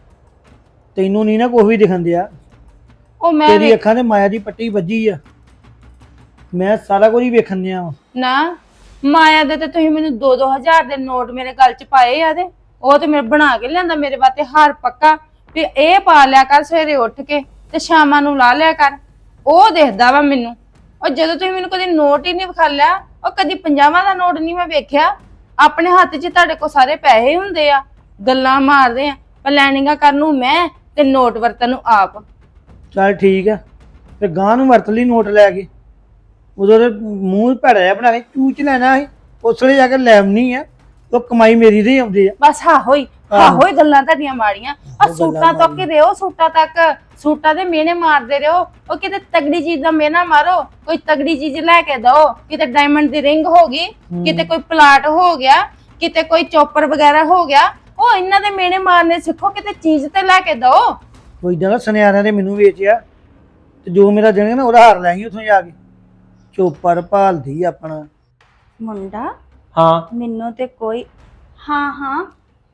D: ਤੈਨੂੰ ਨਹੀਂ ਨਾ ਕੁਛ ਵੀ ਦਿਖਣ ਦਿਆ।
E: ਉਹ ਮੈਂ
D: ਤੇਰੀ ਅੱਖਾਂ ਤੇ ਮਾਇਆ ਦੀ ਪੱਟੀ ਵੱਜੀ ਆ। ਮੈਂ ਸਾਰਾ ਕੁਝ ਹੀ ਵੇਖਣ ਦਿਆ ਵਾਂ।
E: ਨਾ ਮਾਇਆ ਦੇ ਤੇ ਤੁਸੀਂ ਮੈਨੂੰ 2-2000 ਦੇ ਨੋਟ ਮੇਰੇ ਗਲ 'ਚ ਪਾਏ ਆ ਤੇ ਉਹ ਤੇ ਮੇਰੇ ਬਣਾ ਕੇ ਲਿਆਂਦਾ ਮੇਰੇ ਵਾਸਤੇ ਹਾਰ ਪੱਕਾ ਵੀ ਇਹ ਪਾ ਲਿਆ ਕਰ ਸਵੇਰੇ ਉੱਠ ਕੇ ਤੇ ਸ਼ਾਮਾਂ ਨੂੰ ਲਾ ਲਿਆ ਕਰ। ਉਹ ਦੇਖਦਾ ਵਾ ਮੈਨੂੰ। ਉਹ ਜਦੋਂ ਤੁਸੀਂ ਮੈਨੂੰ ਕਦੀ ਨੋਟ ਹੀ ਨਹੀਂ ਵਿਖਾਲਿਆ, ਉਹ ਕਦੀ 50 ਦਾ ਨੋਟ ਨਹੀਂ ਮੈਂ ਵੇਖਿਆ। ਆਪਣੇ ਹੱਥ 'ਚ ਤੁਹਾਡੇ ਕੋਲ ਸਾਰੇ ਪੈਸੇ ਹੁੰਦੇ ਆ, ਗੱਲਾਂ ਮਾਰਦੇ ਆ, ਪਲੈਨਿੰਗਾਂ ਕਰਨ ਨੂੰ ਮੈਂ ਤੇ ਨੋਟ ਵਰਤਨ ਨੂੰ ਆਪ।
D: ਚੱਲ ਠੀਕ ਆ, ਤੇ ਗਾਂ ਨੂੰ ਵਰਤ ਲਈ ਨੋਟ ਲੈ ਕੇ। ਉਦੋਂ ਦੇ ਮੂੰਹ ਭੈੜਾ ਜਿਹਾ ਬਣਾ ਕੇ ਚੂਚ ਲੈਣਾ ਸੀ, ਉਸ ਵੇਲੇ ਜਾ ਕੇ ਲੈਵਨੀ ਆ। ਉਹ ਕਮਾਈ ਮੇਰੀ ਦੇ ਹੀ ਆਉਂਦੇ ਆ।
E: ਬਸ ਹਾਹੋ ਹੀ ਗੱਲਾਂ ਤੁਹਾਡੀਆਂ ਮਾੜੀਆਂ। ਆ ਸੂਟਾਂ ਤੱਕ ਹੀ ਰਹੋ, ਸੂਟਾਂ ਤੱਕ, ਸੂਟਾਂ ਦੇ ਮਿਹਣੇ ਮਾਰਦੇ ਰਹੋ। ਉਹ ਕਿਤੇ ਤਗੜੀ ਚੀਜ਼ ਦਾ ਮਿਹਣਾ ਮਾਰੋ, ਕੋਈ ਤਗੜੀ ਚੀਜ਼ ਲੈ ਕੇ ਦਓ। ਕਿਤੇ ਡਾਇਮੰਡ ਦੀ ਰਿੰਗ ਹੋ ਗਈ, ਕਿਤੇ ਕੋਈ ਪਲਾਟ ਹੋ ਗਿਆ, ਕਿਤੇ ਕੋਈ ਚੋਪਰ ਵਗੈਰਾ ਹੋ ਗਿਆ। ਉਹ ਇਹਨਾਂ ਦੇ ਮਿਹਣੇ ਮਾਰਨੇ ਸਿੱਖੋ, ਕਿਤੇ ਚੀਜ਼ ਤੇ ਲੈ ਕੇ ਦਓ।
D: ਕੋਈ ਇਦਾਂ ਦਾ ਸੁਨਿਆਰਿਆਂ ਨੇ ਮੈਨੂੰ ਵੇਚਿਆ, ਤੇ ਜੋ ਮੇਰਾ ਦੇਣਗੇ ਨਾ ਉਹਦਾ ਹਾਰ ਲੈ ਗਈ ਉੱਥੋਂ ਜਾ ਕੇ। ਚੋਪਰ ਭਾਲਦੀ ਆਪਣਾ
B: ਮੁੰਡਾ।
C: ਹਾਂ
B: ਮੈਨੂੰ ਤੇ ਕੋਈ ਹਾਂ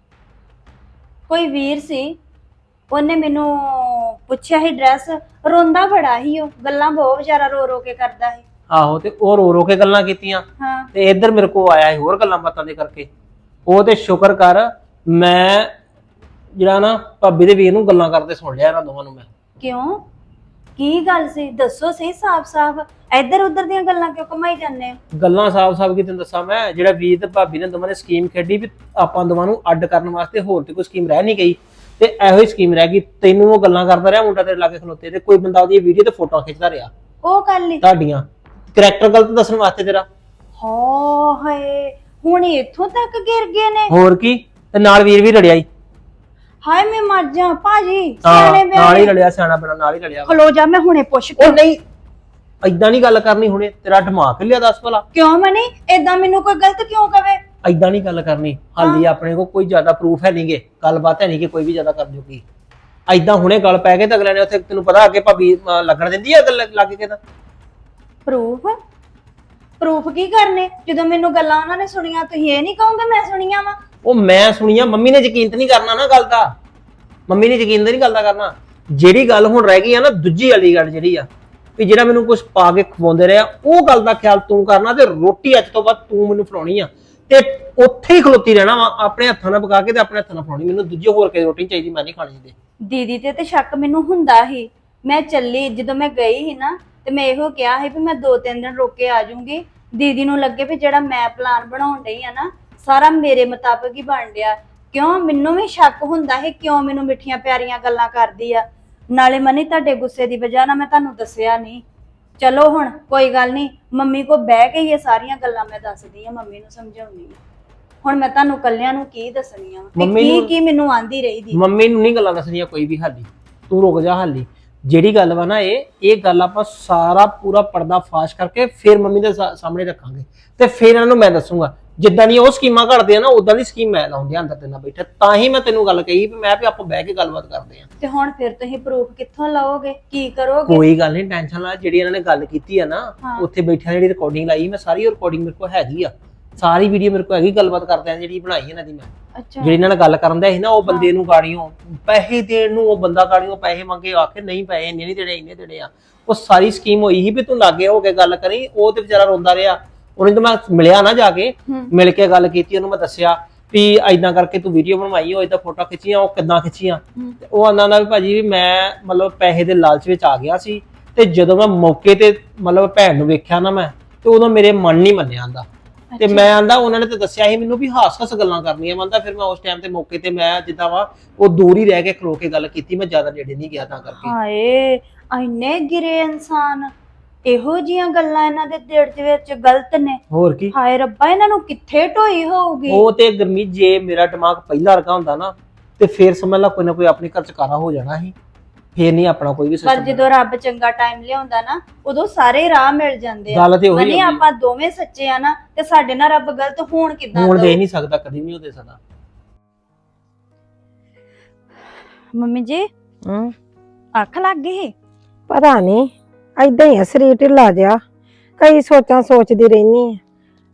B: ਕੋਈ ਵੀਰ ਸੀ, ਉਹਨੇ ਮੈਨੂੰ ਪੁੱਛਿਆ ਸੀ ਡਰੈਸ। ਰੋਂਦਾ ਬੜਾ ਸੀ, ਉਹ ਗੱਲਾਂ ਬਹੁਤ ਵਿਚਾਰਾ ਰੋ ਰੋ ਕੇ ਕਰਦਾ ਸੀ।
C: ਆਹੋ, ਤੇ ਉਹ ਰੋ ਰੋ ਕੇ ਗੱਲਾਂ ਕੀਤੀਆਂ
B: ਹਾਂ
C: ਤੇ ਇੱਧਰ ਮੇਰੇ ਕੋਲ ਆਇਆ ਸੀ ਹੋਰ ਗੱਲਾਂ ਬਾਤਾਂ ਦੇ ਕਰਕੇ। ਉਹ ਤੇ ਸ਼ੁਕਰ ਕਰ ਮੈਂ ਜਿਹੜਾ ਨਾ ਭਾਬੀ ਦੇ ਵੀਰ ਨੂੰ ਗੱਲਾਂ ਕਰਦੇ ਸੁਣ ਲਿਆ ਇਹਨਾਂ ਦੋਵਾਂ ਨੂੰ ਮੈਂ।
B: ਕਿਉਂ? ਕੀ ਗੱਲ ਸੀ? ਦੱਸੋ ਸਹੀ ਸਾਫ਼-ਸਾਫ਼। ਇੱਧਰ ਉੱਧਰ ਦੀਆਂ ਗੱਲਾਂ ਕਿਉਂ ਕਮਾਈ ਜਾਂਦੇ ਹੋ?
C: ਗੱਲਾਂ ਸਾਫ਼-ਸਾਫ਼ ਕੀ ਤੈਨੂੰ ਦੱਸਾਂ ਮੈਂ, ਜਿਹੜਾ ਵੀਰ ਤੇ ਭਾਬੀ ਨੇ ਦੋਵਾਂ ਨੇ ਸਕੀਮ ਖੇਡੀ ਵੀ ਆਪਾਂ ਦੋਵਾਂ ਨੂੰ ਅੱਡ ਕਰਨ ਵਾਸਤੇ, ਹੋਰ ਤੇ ਕੋਈ ਸਕੀਮ ਰਹਿ ਨਹੀਂ ਗਈ। ਤੇ ਇਹੋ ਹੀ ਸਕੀਮ ਰਹਿ ਗਈ। ਤੈਨੂੰ ਉਹ ਗੱਲਾਂ ਕਰਦਾ ਰਿਹਾ ਮੁੰਡਾ ਤੇਰੇ ਲਾਗੇ ਖਲੋਤੇ, ਤੇ ਕੋਈ ਬੰਦਾ ਉਹਦੀ ਵੀਡੀਓ ਤੇ ਫੋਟੋਆਂ ਖਿੱਚਦਾ ਰਿਹਾ
B: ਉਹ ਗੱਲ ਹੀ।
C: ਤੁਹਾਡੀਆਂ ਕਰੈਕਟਰ ਗਲਤ ਦੱਸਣ ਵਾਸਤੇ ਤੇਰਾ।
B: ਹਾਏ, ਹੁਣ ਇੱਥੋਂ ਤੱਕ ਗਿਰ ਗਏ ਨੇ।
C: ਹੋਰ ਕੀ, ਤੇ ਨਾਲ ਵੀਰ ਵੀ ਲੜਿਆ ਹੀ।
B: ਹਾਏ ਮੈਂ ਮਰ ਜਾ ਭਾਜੀ,
C: ਹਾਂ
B: ਸਿਆਣੇ
C: ਨਾਲ ਹੀ
B: ਬਿਆਣੇ।
C: ਲੜਿਆ, ਸਿਆਣਾ ਬਣਾ ਨਾਲ ਹੀ ਲੜਿਆ।
B: ਖਲੋ ਜਾ, ਮੈਂ ਹੁਣੇ ਪੁੱਛ ਕੇ।
C: ਉਹ ਨਹੀਂ, ਏਦਾਂ ਨਹੀਂ ਗੱਲ ਕਰਨੀ ਹੁਣੇ। ਤੇਰਾ ਦਿਮਾਗ ਲਿਆ ਦੱਸ ਭਲਾ।
B: ਕਿਉਂ ਮਨੀ? ਏਦਾਂ ਮੈਨੂੰ ਕੋਈ ਗਲਤ ਕਿਉਂ ਕਵੇ?
C: ਏਦਾਂ ਨਹੀਂ ਗੱਲ ਕਰਨੀ। ਹਾਲੀ ਆਪਣੇ ਕੋਲ ਕੋਈ ਜ਼ਿਆਦਾ ਪ੍ਰੂਫ ਹੈ ਨਹੀਂਗੇ, ਗੱਲਬਾਤ ਹੈ ਨਹੀਂ ਕਿ ਕੋਈ ਵੀ ਜ਼ਿਆਦਾ ਕਰ ਜੂਗੀ। ਏਦਾਂ ਹੁਣੇ ਗੱਲ ਪੈ ਕੇ ਤਾਂ ਅਗਲੇ ਨੇ ਉੱਥੇ ਤੈਨੂੰ ਪਤਾ ਅੱਗੇ ਭਾਬੀ ਲੱਗਣ ਦਿੰਦੀ ਆ ਗੱਲ ਲੱਗ ਕੇ ਤਾਂ।
B: ਪ੍ਰੂਫ ਕੀ ਕਰਨੇ? ਜਦੋਂ ਮੈਨੂੰ ਗੱਲਾਂ ਉਹਨਾਂ ਨੇ ਸੁਣੀਆਂ, ਤੁਸੀਂ ਇਹ ਨਹੀਂ ਕਹੋਗੇ ਮੈਂ ਸੁਣੀਆਂ ਵਾ?
C: ਉਹ ਮੈਂ ਸੁਣੀਆਂ, ਮੰਮੀ ਨੇ ਯਕੀਨ ਤਾਂ ਨਹੀਂ ਕਰਨਾ ਨਾ ਗੱਲ ਦਾ। ਮੰਮੀ ਨੇ ਯਕੀਨ ਤਾਂ ਨਹੀਂ ਗੱਲ ਦਾ ਕਰਨਾ। ਜਿਹੜੀ ਗੱਲ ਹੁਣ ਰਹਿ ਗਈ ਆ ਨਾ, ਦੂਜੀ ਵਾਲੀ ਗੱਲ ਜਿਹੜੀ ਆ ਵੀ ਜਿਹੜਾ ਮੈਨੂੰ ਕੁਝ ਪਾ ਕੇ ਖਵਾਉਂਦੇ ਰਿਹਾ, ਉਹ ਗੱਲ ਦਾ ਖਿਆਲ ਤੂੰ ਕਰਨਾ। ਤੇ ਰੋਟੀ ਅੱਜ ਤੋਂ ਬਾਅਦ ਤੂੰ ਮੈਨੂੰ ਫੜਾਉਣੀ ਆ, ਤੇ ਉੱਥੇ ਹੀ ਖਲੋਤੀ ਰਹਿਣਾ ਵਾ, ਆਪਣੇ ਹੱਥਾਂ ਨਾਲ ਪਕਾ ਕੇ ਤੇ ਆਪਣੇ ਹੱਥਾਂ ਨਾਲ ਫੜਾਉਣੀ। ਮੈਨੂੰ ਦੂਜੀ ਹੋਰ ਕੋਈ ਰੋਟੀ ਚਾਹੀਦੀ, ਮੈਂ ਨਹੀਂ ਖਾਣੀ ਇਹਦੇ।
B: ਦੀਦੀ ਤੇ ਸ਼ੱਕ ਮੈਨੂੰ ਹੁੰਦਾ ਸੀ। ਮੈਂ ਚੱਲੀ, ਜਦੋਂ ਮੈਂ ਗਈ ਸੀ ਨਾ, ਤੇ ਮੈਂ ਇਹੋ ਕਿਹਾ ਸੀ ਵੀ ਮੈਂ 2-3 ਦਿਨ ਰੁਕ ਕੇ ਆ ਜਾਊਂਗੀ। ਦੀਦੀ ਨੂੰ ਲੱਗੇ ਵੀ ਜਿਹੜਾ ਮੈਂ ਪਲਾਨ ਬਣਾਉਣ ਡਈ ਆ ਨਾ, ਸਾਰਾ ਮੇਰੇ ਮੁਤਾਬਕ ਹੀ ਬਣ ਰਿਹਾ। ਕਿਉਂ? ਮੈਨੂੰ ਵੀ ਸ਼ੱਕ ਹੁੰਦਾ ਹੈ, ਕਿਉਂ ਮੈਨੂੰ ਮਿੱਠੀਆਂ ਪਿਆਰੀਆਂ ਗੱਲਾਂ ਕਰਦੀ ਆ। ਨਾਲੇ ਮਨੀ, ਤੁਹਾਡੇ ਗੁੱਸੇ ਦੀ ਵਜ੍ਹਾ ਨਾਲ ਮੈਂ ਤੁਹਾਨੂੰ ਦੱਸਿਆ ਨਹੀਂ। ਚਲੋ ਹੁਣ ਕੋਈ ਗੱਲ ਨਹੀਂ, ਮੰਮੀ ਕੋ ਬਹਿ ਕੇ ਇਹ ਸਾਰੀਆਂ ਗੱਲਾਂ ਮੈਂ ਦੱਸਦੀ ਆ, ਮੰਮੀ ਨੂੰ ਸਮਝਾਉਣੀ ਆ। ਹੁਣ ਮੈਂ ਤੁਹਾਨੂੰ ਕੱਲਿਆਂ ਨੂੰ ਕੀ ਦੱਸਣੀਆਂ, ਕੀ ਮੈਨੂੰ ਆਂਦੀ ਰਹੀ ਦੀ।
C: ਮੰਮੀ ਨੂੰ ਨਹੀਂ ਗੱਲਾਂ ਦੱਸਣੀਆਂ ਕੋਈ ਵੀ। ਹਾਲੀ ਤੂੰ ਰੁਕ ਜਾ। ਹਾਲੀ ਜਿਹੜੀ ਗੱਲ ਵਾ ਨਾ, ਇਹ ਗੱਲ ਆਪਾਂ ਸਾਰਾ ਪੂਰਾ ਪਰਦਾ ਫਾਸ਼ ਕਰਕੇ ਫਿਰ ਮੰਮੀ ਦੇ ਸਾਹਮਣੇ ਰੱਖਾਂਗੇ, ਤੇ ਫਿਰ ਇਹਨਾਂ ਨੂੰ ਮੈਂ ਦੱਸੂਗਾ। ਜਿੱਦਾਂ ਦੀ ਉਹ ਸਕੀਮਾਂ ਘੜਦੇ ਆ ਨਾ, ਉਦਾਂ ਦੀ ਸਕੀਮ ਮੈਂ ਲਾਉਂਦੀ ਅੰਦਰ ਤੇ ਨਾ ਬੈਠਾ। ਤਾਂ ਹੀ ਮੈਂ ਤੈਨੂੰ ਗੱਲ ਕਹੀ ਵੀ ਮੈਂ ਵੀ ਆਪਾਂ ਬਹਿ ਕੇ ਗੱਲਬਾਤ ਕਰਦੇ ਆ।
B: ਤੇ ਹੁਣ ਫਿਰ ਤੁਸੀਂ ਪ੍ਰੂਫ ਕਿੱਥੋਂ ਲਓਗੇ? ਕੀ ਕਰੋਗੇ?
C: ਕੋਈ ਗੱਲ ਨਹੀਂ, ਟੈਨਸ਼ਨ ਨਾ। ਜਿਹੜੀ ਇਹਨਾਂ ਨੇ ਗੱਲ ਕੀਤੀ ਆ ਨਾ, ਉੱਥੇ ਬੈਠਿਆਂ ਜਿਹੜੀ ਰਿਕਾਰਡਿੰਗ ਲਾਈ, ਮੈਂ ਸਾਰੀ ਰਿਕਾਰਡਿੰਗ ਮੇਰੇ ਕੋਲ ਹੈਗੀ ਆ, ਸਾਰੀ ਵੀਡੀਓ ਮੇਰੇ ਕੋਲ ਹੈਗੀ। ਗੱਲਬਾਤ ਕਰਦੇ ਆ ਜਿਹੜੀ ਬਣਾਈ ਇਹਨਾਂ ਦੀ ਮੈਂ।
B: ਅੱਛਾ,
C: ਜਿਹੜੀ ਇਹਨਾਂ ਨਾਲ ਗੱਲ ਕਰਨ ਦਾ ਸੀ ਨਾ, ਉਹ ਬੰਦੇ ਨੂੰ ਗਾੜੀਆਂ ਪੈਸੇ ਦੇਣ ਨੂੰ, ਉਹ ਬੰਦਾ ਗਾੜੀਆਂ ਪੈਸੇ ਮੰਗੇ, ਆਖੇ ਨਹੀਂ ਪੈਸੇ ਇੰਨੇ ਨਹੀਂ ਦੇਣੇ, ਇੰਨੇ ਦੇਣੇ ਆ। ਉਹ ਸਾਰੀ ਸਕੀਮ ਹੋਈ ਸੀ ਵੀ ਤੂੰ ਲਾਗੇ ਹੋ ਕੇ ਗੱਲ ਕਰੀ। ਉਹ ਤੇ ਵਿਚਾਰਾ ਰੋਂਦਾ ਰਿਹਾ। ਉਹਨੇ ਤਾਂ ਮੈਂ ਮਿਲਿਆ ਨਾ, ਜਾ ਕੇ ਮਿਲ ਕੇ ਗੱਲ ਕੀਤੀ, ਉਹਨੂੰ ਮੈਂ ਦੱਸਿਆ ਵੀ ਏਦਾਂ ਕਰਕੇ ਤੂੰ ਵੀਡੀਓ ਬਣਵਾਈ, ਉਹ ਏਦਾਂ ਫੋਟੋ ਖਿੱਚੀਆਂ, ਉਹ ਕਿੱਦਾਂ ਖਿੱਚੀਆਂ। ਉਹ ਆਂਦਾ ਵੀ ਭਾਜੀ ਵੀ ਮੈਂ ਮਤਲਬ ਪੈਸੇ ਦੇ ਲਾਲਚ ਵਿੱਚ ਆ ਗਿਆ ਸੀ, ਤੇ ਜਦੋਂ ਮੈਂ ਮੌਕੇ ਤੇ ਮਤਲਬ ਭੈਣ ਨੂੰ ਵੇਖਿਆ ਨਾ ਮੈਂ, ਤੇ ਉਦੋਂ ਮੇਰੇ ਮਨ ਨਹੀਂ ਮੰਨਿਆ ਆਂਦਾ। ਤੇ ਮੈਂ ਆਂਦਾ ਉਹਨਾਂ ਨੇ ਤੇ ਦੱਸਿਆ ਸੀ ਮੈਨੂੰ ਵੀ ਹਾਸ-ਹਾਸ ਗੱਲਾਂ ਕਰਨੀਆਂ। ਮੰਨਦਾ ਫਿਰ ਮੈਂ ਉਸ ਟਾਈਮ ਤੇ ਮੌਕੇ ਤੇ ਮੈਂ ਜਿੱਦਾਂ ਵਾ ਉਹ ਦੂਰ ਹੀ ਰਹਿ ਕੇ ਖਲੋ ਕੇ ਗੱਲ ਕੀਤੀ, ਮੈਂ ਜ਼ਿਆਦਾ ਨੇੜੇ ਨਹੀਂ ਗਿਆ ਤਾਂ ਕਰਕੇ।
B: ਹਾਏ ਇੰਨੇ ਗਿਰੇ ਇਨਸਾਨ, ਇਹੋ ਜੀਆਂ ਗੱਲਾਂ ਇਹਨਾਂ ਦੇ ਦਿਲ ਦੇ ਵਿੱਚ ਗਲਤ ਨੇ।
C: ਹੋਰ ਕੀ।
B: ਹਾਏ ਰੱਬਾ, ਇਹਨਾਂ ਨੂੰ ਕਿੱਥੇ ਢੋਈ ਹੋਊਗੀ।
C: ਉਹ ਤੇ ਗਰਮੀ, ਜੇ ਮੇਰਾ ਦਿਮਾਗ ਪਹਿਲਾਂ ਵਰਗਾ ਹੁੰਦਾ ਨਾ, ਤੇ ਫਿਰ ਸਮਝ ਲਾ ਕੋਈ ਨਾ ਕੋਈ ਆਪਣੇ ਘਰ ਚ ਕਾਰਾ ਹੋ ਜਾਣਾ ਸੀ। ਫੇਰ ਨਹੀਂ ਆਪਣਾ ਕੋਈ ਵੀ
B: ਪਰ ਜਦੋਂ ਰੱਬ ਚੰਗਾ ਟਾਈਮ ਲਿਆਉਂਦਾ ਨਾ, ਉਦੋਂ ਸਾਰੇ ਰਾਹ ਮਿਲ ਜਾਂਦੇ ਆ।
C: ਗੱਲ ਤੇ ਉਹੀ
B: ਮਨੀ ਆਪਾਂ ਦੋਵੇਂ ਸੱਚੇ ਆ ਨਾ, ਤੇ ਸਾਡੇ ਨਾਲ ਰੱਬ ਗਲਤ ਹੋਣ ਕਿੱਦਾਂ
C: ਹੁਣ ਦੇ ਨਹੀਂ ਸਕਦਾ, ਕਦੀ ਨਹੀਂ ਹੋ ਦੇ ਸਕਦਾ।
B: ਮੰਮੀ ਜੀ ਅੱਖ ਲੱਗ ਗਈ?
F: ਪਤਾ ਨਹੀਂ, ਏਦਾਂ ਹੀ ਆ ਸਰੀਰ ਢਿੱਲਾ ਜਿਹਾ। ਕਈ ਸੋਚਾਂ ਸੋਚਦੀ ਰਹਿਨੀ ਆ।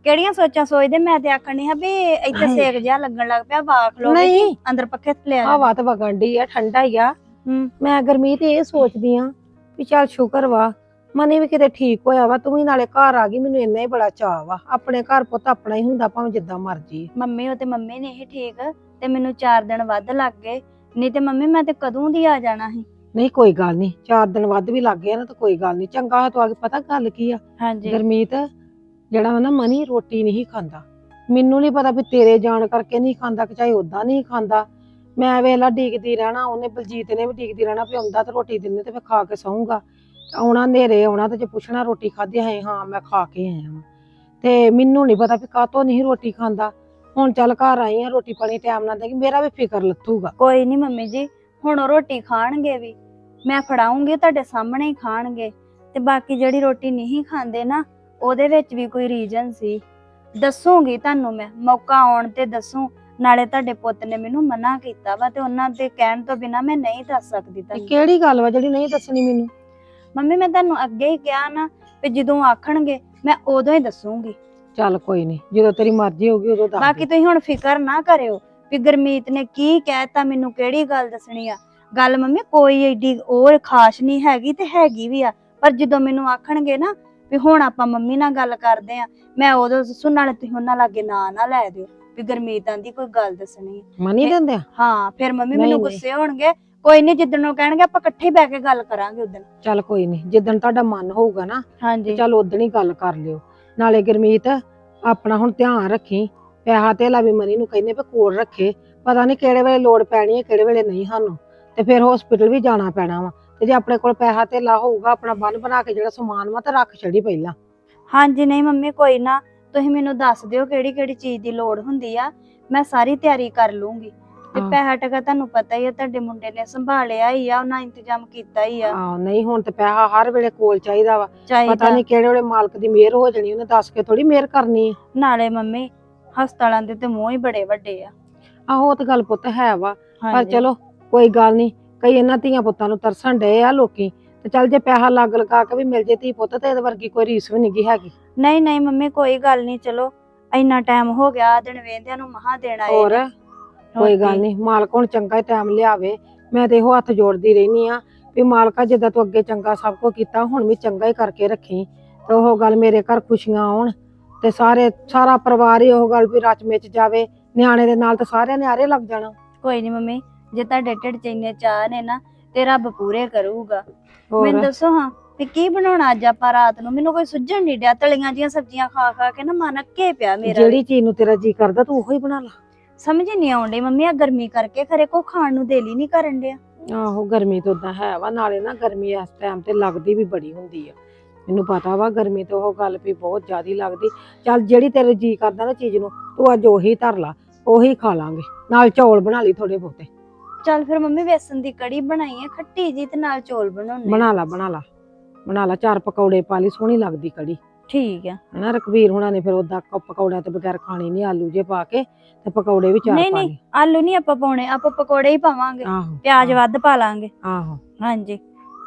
B: ਕਿਹੜੀਆਂ ਸੋਚਾਂ ਸੋਚਦੇ? ਮੈਂ ਤੇ ਆਖਣ ਨਹੀਂ ਹਾਂ ਵੀ ਇੱਥੇ ਸੇਕ ਜਿਹਾ ਲੱਗਣ ਲੱਗ ਪਿਆ, ਵਾਖ ਲੋ
F: ਨਹੀਂ।
B: ਅੰਦਰ ਪੱਖੇ ਥੱਲੇ ਆ
F: ਹਵਾ ਤਾਂ ਵਗਣ ਡਈ ਆ, ਠੰਡਾ ਹੀ ਆ।
B: ਹੂੰ।
F: ਮੈਂ ਗਰਮੀਤ ਇਹ ਸੋਚਦੀ ਆ ਵੀ ਚੱਲ ਸ਼ੁਕਰ ਵਾ ਮਨੀ ਵੀ ਕਿਤੇ ਠੀਕ ਹੋਇਆ ਵਾ, ਤੂੰ ਵੀ ਨਾਲੇ ਘਰ ਆ ਗਈ। ਮੈਨੂੰ ਇੰਨਾ ਹੀ ਬੜਾ ਚਾਅ ਵਾ, ਆਪਣੇ ਘਰ ਪੁੱਤ ਆਪਣਾ ਹੀ ਹੁੰਦਾ ਭਾਵੇਂ ਜਿੱਦਾਂ ਮਰਜੀ।
B: ਮੰਮੀ ਉਹ ਤੇ ਮੰਮੀ ਨੇ ਹੀ ਠੀਕ ਤੇ ਮੈਨੂੰ 4 ਦਿਨ ਵੱਧ ਲੱਗ ਗਏ, ਨਹੀਂ ਤੇ ਮੰਮੀ ਮੈਂ ਤੇ ਕਦੋਂ ਦੀ ਆ ਜਾਣਾ ਸੀ।
F: ਨਹੀਂ ਕੋਈ ਗੱਲ ਨਹੀਂ, 4 ਦਿਨ ਵੱਧ ਵੀ ਲੱਗ ਗਏ ਨਾ ਤਾਂ ਕੋਈ ਗੱਲ ਨਹੀਂ, ਚੰਗਾ ਹੋਇਆ ਤੂੰ ਆ ਕੇ। ਪਤਾ ਗੱਲ ਕੀ ਆ
B: ਹਾਂਜੀ।
F: ਗਰਮੀਤ, ਜਿਹੜਾ ਵਾ ਨਾ ਮਨੀ ਰੋਟੀ ਨਹੀਂ ਖਾਂਦਾ। ਮੈਨੂੰ ਨਹੀਂ ਪਤਾ ਵੀ ਤੇਰੇ ਜਾਣ ਕਰਕੇ ਨਹੀਂ ਖਾਂਦਾ ਕਿ ਚਾਹੇ ਉਦਾਂ ਨਹੀਂ ਖਾਂਦਾ। ਮੈਂ ਵੇਲਾ ਡੀਕਦੀ ਰਹਿਣਾ, ਉਹਨੇ ਬਲਜੀਤ ਨੇ ਵੀ ਡੀਕਦੀ ਰਹਿਣਾ ਵੀ ਆਉਂਦਾ ਤੇ ਰੋਟੀ ਦਿੰਦੇ ਤੇ ਮੈਂ ਖਾ ਕੇ ਸੌਂਗਾ। ਆਉਣਾ ਨੇਰੇ ਆਉਣਾ ਤੇ ਜੇ ਪੁੱਛਣਾ ਰੋਟੀ ਖਾਧੀ ਹੈ, ਹਾਂ ਮੈਂ ਖਾ ਕੇ ਆਇਆ ਵਾਂ। ਤੇ ਮੈਨੂੰ ਨਹੀਂ ਪਤਾ ਵੀ ਕਾਹਤੋਂ ਨਹੀਂ ਰੋਟੀ ਖਾਂਦਾ। ਹੁਣ ਚੱਲ ਘਰ ਆਈ ਆ, ਰੋਟੀ ਪਾਣੀ ਟਾਈਮ ਨਾਲ ਦੇਗੀ, ਮੇਰਾ ਵੀ ਫਿਕਰ ਲੱਥੂਗਾ।
B: ਕੋਈ ਨਹੀਂ ਮੰਮੀ ਜੀ, ਹੁਣ ਉਹ ਰੋਟੀ ਖਾਣਗੇ ਵੀ, ਮੈਂ ਫੜਾਉਂਗੀ ਤੁਹਾਡੇ ਸਾਹਮਣੇ ਹੀ ਖਾਣਗੇ। ਤੇ ਬਾਕੀ ਜਿਹੜੀ ਰੋਟੀ ਨਹੀਂ ਖਾਂਦੇ ਨਾ, ਉਹਦੇ ਵਿੱਚ ਵੀ ਕੋਈ ਰੀਜ਼ਨ ਸੀ, ਦੱਸੂਗੀ ਤੁਹਾਨੂੰ ਮੈਂ, ਮੌਕਾ ਆਉਣ ਤੇ ਦੱਸੂ। ਨਾਲੇ ਤੁਹਾਡੇ ਪੁੱਤ ਨੇ ਮੈਨੂੰ ਮਨਾ ਕੀਤਾ ਵਾ ਤੇ ਉਹਨਾਂ ਦੇ ਕਹਿਣ ਤੋਂ ਬਿਨਾ ਮੈਂ ਨਹੀਂ ਦੱਸ ਸਕਦੀ
F: ਤੇ
B: ਤੁਹਾਨੂੰ।
F: ਕਿਹੜੀ ਗੱਲ ਵਾ ਜਿਹੜੀ ਨਹੀਂ ਦੱਸਣੀ ਮੈਨੂੰ?
B: ਮੰਮੀ ਮੈਂ ਤੁਹਾਨੂੰ ਅੱਗੇ ਹੀ ਕਿਹਾ ਨਾ ਵੀ ਜਦੋਂ ਆਖਣਗੇ ਮੈਂ ਉਦੋਂ ਹੀ ਦੱਸੂਗੀ।
F: ਚੱਲ ਕੋਈ ਨਹੀਂ, ਜਦੋਂ ਤੇਰੀ ਮਰਜ਼ੀ ਹੋਊਗੀ ਉਦੋਂ ਦੱਸ
B: ਬਾਕੀ
F: ਦੇ।
B: ਤੁਸੀਂ ਹੁਣ ਫਿਕਰ ਨਾ ਕਰਿਓ ਵੀ ਗੁਰਮੀਤ ਨੇ ਕੀ ਕਹਿਤਾ, ਮੈਨੂੰ ਕਿਹੜੀ ਗੱਲ ਦੱਸਣੀ ਆ। ਗੱਲ ਮੰਮੀ ਕੋਈ ਏਡੀ ਉਹ ਖਾਸ ਨਹੀਂ ਹੈਗੀ, ਤੇ ਹੈਗੀ ਵੀ ਆ, ਪਰ ਜਦੋਂ ਮੈਨੂੰ ਆਖਣਗੇ ਨਾ ਵੀ ਹੁਣ ਆਪਾਂ ਮੰਮੀ ਨਾਲ ਗੱਲ ਕਰਦੇ ਆ, ਮੈਂ ਉਦੋਂ ਦੱਸੂ। ਨਾਲੇ ਤੁਸੀਂ ਉਹਨਾਂ ਲਾਗੇ ਨਾ ਲੈ ਦਿਓ ਵੀ ਗੁਰਮੀਤ ਆਂਦੀ ਕੋਈ ਗੱਲ ਦੱਸਣੀ ਆ।
F: ਮਨੀ ਦਿੰਦੇ ਆ?
B: ਹਾਂ ਫਿਰ ਮੰਮੀ
F: ਨਹੀਂ,
B: ਮੈਨੂੰ
F: ਨਹੀਂ।
B: ਗੁੱਸੇ ਹੋਣਗੇ। ਕੋਈ ਨਹੀਂ, ਜਿੱਦਣ ਉਹ ਕਹਿਣਗੇ ਆਪਾਂ ਇਕੱਠੇ ਬਹਿ ਕੇ ਗੱਲ ਕਰਾਂਗੇ ਉਦੋਂ।
F: ਚੱਲ ਕੋਈ ਨਹੀਂ, ਜਿੱਦਣ ਤੁਹਾਡਾ ਮਨ ਹੋਊਗਾ ਨਾ
B: ਹਾਂਜੀ
F: ਚੱਲ ਉਦਣ ਹੀ ਗੱਲ ਕਰ ਲਿਓ। ਨਾਲੇ ਗੁਰਮੀਤ ਆਪਣਾ ਹੁਣ ਧਿਆਨ ਰੱਖੀ, ਪੈਸਾ ਧੇਲਾ ਵੀ ਮਨੀ ਨੂੰ ਕਹਿੰਦੇ ਵੀ ਕੋਲ ਰੱਖੇ, ਪਤਾ ਨਹੀਂ ਕਿਹੜੇ ਵੇਲੇ ਲੋੜ ਪੈਣੀ ਹੈ ਕਿਹੜੇ ਵੇਲੇ ਨਹੀਂ ਸਾਨੂੰ, ਤੇ ਫਿਰ ਹਸਪੀਟਲ ਵੀ ਜਾਣਾ ਪੈਣਾ ਵਾ। ਤੇ ਜੇ ਆਪਣੇ ਕੋਲ ਪੈਸਾ ਧੇਲਾ ਹੋਊਗਾ, ਆਪਣਾ ਬੰਨ ਬਣਾ ਕੇ ਜਿਹੜਾ ਸਮਾਨ ਵਾ ਤੇ ਰੱਖ ਛੜੀ ਪਹਿਲਾਂ।
B: ਹਾਂਜੀ। ਨਹੀਂ ਮੰਮੀ ਕੋਈ ਨਾ, ਤੁਸੀਂ ਮੈਨੂੰ ਦੱਸ ਦਿਓ ਕਿਹੜੀ ਕਿਹੜੀ ਚੀਜ਼ ਦੀ ਲੋੜ ਹੁੰਦੀ ਆ, ਮੈਂ ਸਾਰੀ ਤਿਆਰੀ ਕਰ ਲੂੰਗੀ। ਤੇ
F: ਹਾਂ।
B: ਪੈਸਾ ਟਕਾ ਤੁਹਾਨੂੰ ਪਤਾ ਹੀ ਆ, ਤੁਹਾਡੇ ਮੁੰਡੇ ਨੇ ਸੰਭਾਲਿਆ ਹੀ ਆ, ਉਹਨਾਂ ਇੰਤਜ਼ਾਮ ਕੀਤਾ ਹੀ ਆ।
F: ਆਹ ਨਹੀਂ, ਹੁਣ ਤੇ ਪੈਸਾ ਹਰ ਵੇਲੇ ਕੋਲ ਚਾਹੀਦਾ ਵਾ। ਪਤਾ
B: ਚਾਹੀਦਾ
F: ਨਹੀਂ ਕਿਹੜੇ ਵੇਲੇ ਮਾਲਕ ਦੀ ਮਿਹਰ ਹੋ ਜਾਣੀ, ਉਹਨੇ ਦੱਸ ਕੇ ਥੋੜੀ ਮਿਹਰ ਕਰਨੀ ਹੈ।
B: ਨਾਲੇ ਮੰਮੀ ਹਸਪਤਾਲਾਂ ਦੇ ਤੇ ਮੂੰਹ ਹੀ ਬੜੇ ਵੱਡੇ ਆ।
F: ਆਹੋ ਉਹ ਤਾਂ ਗੱਲ ਪੁੱਤ ਹੈ ਵਾ, ਪਰ
B: ਹਾਂਜੀ।
F: ਚਲੋ ਕੋਈ ਗੱਲ ਨਹੀਂ, ਕਈ ਇਹਨਾਂ ਧੀਆਂ ਪੁੱਤਾਂ ਨੂੰ ਤਰਸਣ ਡਏ ਆ ਲੋਕੀ। ਤੇ ਚੱਲ ਜੇ ਪੈਸਾ ਲੱਗ ਲਗਾ ਕੇ ਵੀ ਮਿਲ ਜੇ ਧੀ ਪੁੱਤ ਤੇ ਇਹਦੇ ਵਰਗੀ ਕੋਈ ਰੀਸ ਵੀ ਨਹੀਂ ਹੈਗੀ।
B: ਨਹੀਂ ਨਹੀਂ ਮੰਮੀ ਕੋਈ ਗੱਲ ਨਹੀਂ, ਚਲੋ ਇੰਨਾ ਟਾਈਮ ਹੋ ਗਿਆ, ਦਿਨ ਵੇਂਦਿਆਂ ਨੂੰ ਮਹਾ ਦੇਣ ਆਏ
F: ਹੋਰ
B: ਨੇ।
F: ਕੋਈ ਗੱਲ ਨਹੀਂ, ਮਾਲਕ ਹੁਣ ਚੰਗਾ ਹੀ ਟਾਈਮ ਲਿਆਵੇ। ਮੈਂ ਤੇ ਇਹੋ ਹੱਥ ਜੋੜਦੀ ਰਹਿਨੀ ਆ ਵੀ ਮਾਲਕਾ ਜਿੱਦਾਂ ਤੂੰ ਅੱਗੇ ਚੰਗਾ ਸਭ ਕੁਝ ਕੀਤਾ, ਹੁਣ ਵੀ ਚੰਗਾ ਹੀ ਕਰਕੇ ਰੱਖੀ। ਤੇ ਉਹ ਗੱਲ ਮੇਰੇ ਘਰ ਖੁਸ਼ੀਆਂ ਆਉਣ ਤੇ ਸਾਰਾ ਪਰਿਵਾਰ ਹੀ ਉਹ ਗੱਲ ਵੀ ਰਚ ਮਿਚ ਜਾਵੇ, ਨਿਆਣੇ ਦੇ ਨਾਲ ਤਾਂ ਸਾਰਿਆਂ ਨੇ ਆਰੇ ਲੱਗ ਜਾਣਾ।
B: ਕੋਈ ਨਹੀਂ ਮੰਮੀ, ਜੇ ਤੁਹਾਡੇ ਢਿੱਡ 'ਚ ਇੰਨੇ ਚਾਹ ਨੇ ਨਾ ਤੇ ਰੱਬ ਪੂਰੇ ਕਰੂਗਾ।
F: ਹੋਰ
B: ਮੈਨੂੰ ਦੱਸੋ ਹਾਂ ਤੇ ਕੀ ਬਣਾਉਣਾ ਅੱਜ ਆਪਾਂ ਰਾਤ ਨੂੰ? ਮੈਨੂੰ ਕੋਈ ਸੁੱਝਣ ਨਹੀਂ ਡਿਆ, ਤਲੀਆਂ ਜੀਆਂ ਸਬਜ਼ੀਆਂ ਖਾ ਖਾ ਕੇ ਨਾ ਮਨ ਅੱਕੇ ਪਿਆ ਮੇਰਾ।
F: ਜਿਹੜੀ ਚੀਜ਼ ਨੂੰ ਤੇਰਾ ਜੀ ਕਰਦਾ ਤੂੰ ਉਹੀ ਬਣਾ ਲਾ।
B: ਸਮਝ ਨਹੀਂ ਆਉਂਦੀ ਮੰਮੀ, ਆ ਗਰਮੀ ਕਰਕੇ ਖਰੇ ਕੋ ਖਾਣ ਨੂੰ ਦਿਲ ਹੀ ਨਹੀਂ ਕਰਨ ਡਿਆ।
F: ਆਹੋ ਗਰਮੀ ਤਾਂ ਉਦਾਂ ਹੈ ਵਾ, ਨਾਲੇ ਨਾ ਗਰਮੀ ਇਸ ਟਾਈਮ ਤੇ ਲੱਗਦੀ ਵੀ ਬੜੀ ਹੁੰਦੀ ਆ। ਮੈਨੂੰ ਪਤਾ ਵਾ ਗਰਮੀ ਤੇ ਉਹ ਗੱਲ ਵੀ ਬਹੁਤ ਜ਼ਿਆਦੀ ਲੱਗਦੀ। ਚੱਲ ਜਿਹੜੀ ਤੇਰੇ ਜੀ ਕਰਦਾ ਨਾ ਚੀਜ਼ ਨੂੰ, ਤੂੰ ਅੱਜ ਉਹੀ ਧਰ ਲਾ, ਉਹੀ ਖਾ ਲਾਂਗੇ। ਨਾਲ ਚੌਲ ਬਣਾ ਲਈ ਥੋੜੇ ਬਹੁਤੇ।
B: ਚੱਲ ਫਿਰ ਮੰਮੀ ਵੇਸਣ ਦੀ ਕੜੀ ਬਣਾਈ ਹੈ ਖੱਟੀ ਜੀ, ਤੇ ਨਾਲ ਚੌਲ ਬਣਾਉਣੇ।
F: ਬਣਾ ਲਾ ਬਣਾ ਲਾ ਬਣਾ ਲਾ, 4 ਪਕੌੜੇ ਪਾ ਲਈ, ਸੋਹਣੀ ਲੱਗਦੀ ਕੜੀ।
B: ਠੀਕ ਆ।
F: ਹਨਾ ਰਕਬੀਰ ਹੁਣਾਂ ਨੇ ਫਿਰ ਉਦਾਂ ਪਕੌੜਿਆਂ ਤੋਂ ਬਗੈਰ ਖਾਣੀ ਨਹੀਂ, ਆਲੂ ਜੇ ਪਾ ਕੇ ਤੇ ਪਕੌੜੇ ਵੀ 4
B: ਨਹੀਂ
F: ਪਾ
B: ਨਹੀਂ
F: ਲਈ।
B: ਆਲੂ ਨਹੀਂ ਆਪਾਂ ਪਾਉਣੇ, ਆਪਾਂ ਪਕੌੜੇ ਹੀ ਪਾਵਾਂਗੇ,
F: ਆਹੋ
B: ਪਿਆਜ਼ ਵੱਧ ਪਾ ਲਾਂਗੇ।
F: ਆਹੋ
B: ਹਾਂਜੀ।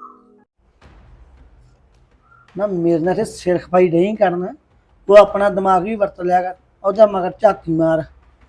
D: ਨਾ ਮੇਰੇ ਨਾਲ ਤੇ ਸਿਰ ਖਪਾਈ ਨਹੀਂ ਕਰਨਾ, ਤੂੰ ਆਪਣਾ ਦਿਮਾਗ ਵੀ ਵਰਤ ਲਿਆ ਕਰ। ਉਹਦਾ ਮਗਰ ਝਾਤੀ ਮਾਰ।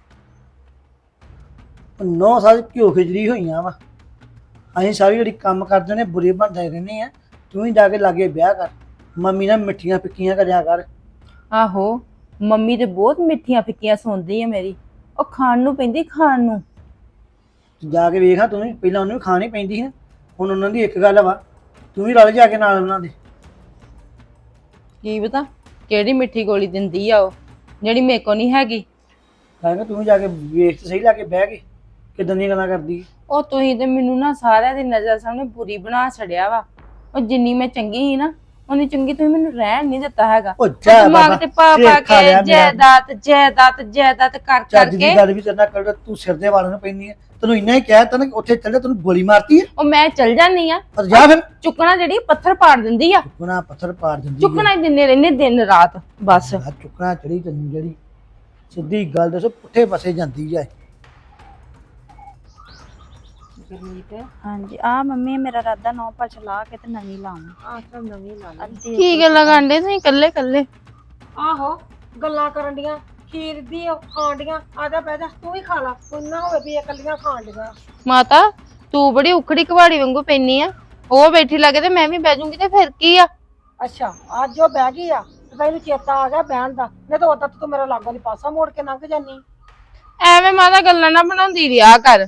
D: 9 ਸਾਲ ਘਿਓ ਖਿਚੜੀ ਹੋਈਆਂ ਵਾ, ਅਸੀਂ ਸਾਰੀ ਜਿਹੜੀ ਕੰਮ ਕਰਦੇ ਨੇ ਬੁਰੇ ਬਣਦੇ ਰਹਿੰਦੇ ਆ। ਤੂੰ ਹੀ ਜਾ ਕੇ ਲਾਗੇ ਵਿਆਹ ਕਰ, ਮੰਮੀ ਨਾਲ ਮਿੱਠੀਆਂ ਫਿੱਕੀਆਂ ਕਰਿਆ ਕਰ।
E: ਆਹੋ ਮੰਮੀ ਤੇ ਬਹੁਤ ਮਿੱਠੀਆਂ ਫਿੱਕੀਆਂ ਸੁਣਦੀ ਆ ਮੇਰੀ, ਉਹ ਖਾਣ ਨੂੰ ਪੈਂਦੀ ਖਾਣ ਨੂੰ।
D: ਜਾ ਕੇ ਵੇਖਾਂ ਤੂੰ ਵੀ, ਪਹਿਲਾਂ ਉਹਨੂੰ ਵੀ ਖਾਣੀ ਪੈਂਦੀ ਸੀ, ਹੁਣ ਉਹਨਾਂ ਦੀ ਇੱਕ ਗੱਲ ਵਾ, ਤੂੰ ਵੀ ਰਲ ਜਾ ਕੇ ਨਾਲ ਉਹਨਾਂ ਦੇ।
E: ਕੀ ਪਤਾ ਕਿਹੜੀ ਮਿੱਠੀ ਗੋਲੀ ਦਿੰਦੀ ਆ ਉਹ, ਜਿਹੜੀ ਮੇਰੇ ਕੋ ਨਹੀਂ ਹੈਗੀ।
D: ਕਹਿੰਦਾ ਤੂੰ ਵੀ ਜਾ ਕੇ ਵੇਖ ਤੇ ਸਹੀ, ਲਾ ਕੇ ਬਹਿ ਕੇ ਕਿਦਾਂ ਦੀਆਂ ਗੱਲਾਂ ਕਰਦੀ।
E: ਉਹ ਤੁਸੀਂ ਤੇ ਮੈਨੂੰ ਨਾ ਸਾਰਿਆਂ ਦੀ ਨਜ਼ਰ ਸਾਹਮਣੇ ਬੁਰੀ ਬਣਾ ਛੜਿਆ ਵਾ। ਉਹ ਜਿੰਨੀ ਮੈਂ ਚੰਗੀ ਸੀ ਨਾ, ਉਨੀ ਚੰਗੀ ਤੁਸੀਂ ਮੈਨੂੰ ਰਹਿਣ ਨਹੀਂ ਦਿੱਤਾ ਹੈਗਾ।
D: ਉਹ ਜਾ
E: ਦਿਮਾਗ
D: ਬਾਬਾ,
E: ਤੇ ਪਾ
D: ਸਿਰ
E: ਪਾ
D: ਖਾ ਲਿਆ
E: ਕੇ
D: ਮੇਰਾ।
E: ਜਾਇਦਾਦ ਕਰ
D: ਚੱਜ ਦੀ
E: ਕਰਕੇ
D: ਗੱਲ ਵੀ ਤੇਰੇ ਨਾਲ ਕਰ, ਤੂੰ ਸਿਰ ਦੇ ਵਾਲਾਂ ਨੂੰ ਪੈਂਦੀ ਹੈ। ਤੈਨੂੰ ਇੰਨਾ ਹੀ ਕਹਿ ਤਾ ਨਾ ਉੱਥੇ ਚੱਲ ਜਾ, ਤੈਨੂੰ ਗੋਲੀ ਮਾਰਤੀ ਹੈ।
E: ਉਹ ਮੈਂ ਚਲ ਜਾਨੀ ਆ।
D: ਪਰ ਜਾ ਫਿਰ।
E: ਚੁੱਕਣਾ ਜਿਹੜੀ ਪੱਥਰ ਪਾੜ ਦਿੰਦੀ ਆ,
D: ਚੁੱਕਣਾ ਪੱਥਰ ਪਾੜ ਦਿੰਦੀ
E: ਚੁੱਕਣਾ ਹੀ ਦਿੰਦੇ ਰਹਿੰਦੇ ਦਿਨ ਰਾਤ ਬਸ।
D: ਆ ਚੁੱਕਣਾ ਚੜੀ ਤੈਨੂੰ ਜਿਹੜੀ ਸਿੱਧੀ ਗੱਲ ਦੱਸੋ, ਪੁੱਠੇ ਪਾਸੇ ਜਾਂਦੀ ਜਾਏ।
B: ਹਾਂਜੀ ਆ ਮੰਮੀ ਮੇਰਾ ਰਾਦਾ 9 ਪਛ ਲਾ ਕੇ ਤੇ ਨਵੀਂ ਲਾਵਾਂ।
F: ਆਹ ਤਾਂ ਨਵੀਂ ਲਾ ਲਈ।
B: ਅੱਧੀ
E: ਕੀ ਗੱਲਾਂ ਕਰਦੇ ਤੁਸੀਂ ਕੱਲੇ ਕੱਲੇ?
F: ਆਹੋ ਗੱਲਾਂ ਕਰਨ ਡੀਆਂ ਖੀਰ ਦੀ ਉਹ ਖਾਣ ਡੀਆਂ। ਆ ਜਾ ਬਹਿ ਜਾ, ਤੂੰ ਵੀ ਖਾ ਲਾ, ਕੋਈ ਨਾ ਹੋਵੇ ਵੀ ਇਹ ਇਕੱਲੀਆਂ ਖਾਣ ਡੀਆਂ।
E: ਮਾਤਾ ਤੂੰ ਬੜੀ ਉਖੜੀ ਕਵਾੜੀ ਵਾਂਗੂ ਪੈਣੀ ਆ, ਉਹ ਬੈਠੀ ਲੱਗੇ ਤੇ ਮੈਂ ਵੀ ਬਹਿ ਜਾਊਂਗੀ ਤੇ ਫਿਰ ਕੀ ਆ।
F: ਅੱਛਾ ਅੱਜ ਉਹ ਬਹਿ ਗਈ ਆ ਤੇ ਤੈਨੂੰ ਚੇਤਾ ਆ ਗਿਆ ਬਹਿਣ ਦਾ, ਨਹੀਂ ਤਾਂ ਉਦੋਂ ਤੂੰ ਮੇਰਾ ਲਾਗੋਂ ਦੀ ਪਾਸਾ ਮੋੜ ਕੇ ਲੰਘ ਜਾਨੀ।
E: ਐਵੇਂ ਮਾਤਾ ਗੱਲਾਂ ਨਾ ਬਣਾਉਂਦੀ ਰਿਹਾ ਕਰ,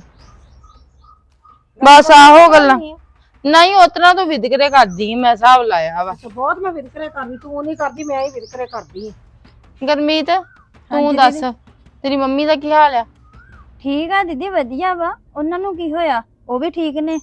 E: ਬਸ ਆਹੋ ਗੱਲਾਂ। ਨਹੀਂ ਉਤਨਾ ਤੂੰ ਵਿਦਕਰੇ ਕਰਦੀ, ਮੈਂ ਹਿਸਾਬ ਲਾਇਆ ਵਾ।
F: ਅੱਛਾ ਬਹੁਤ ਮੈਂ ਵਿਦਕਰੇ ਕਰਦੀ, ਤੂੰ ਨਹੀਂ ਕਰਦੀ, ਮੈਂ ਹੀ ਵਿਦਕਰੇ ਕਰਦੀ।
E: ਗਰਮੀਤ ਤੂੰ
B: ਹਾਂਜੀ
E: ਦੱਸ
B: ਦੀਦੀ।
E: ਤੇਰੀ ਮੰਮੀ ਦਾ ਕੀ ਹਾਲ ਆ?
B: ਠੀਕ ਆ ਦੀਦੀ, ਵਧੀਆ ਵਾ। ਉਹਨਾਂ ਨੂੰ ਕੀ ਹੋਇਆ? ਉਹ ਵੀ ਠੀਕ ਨੇ।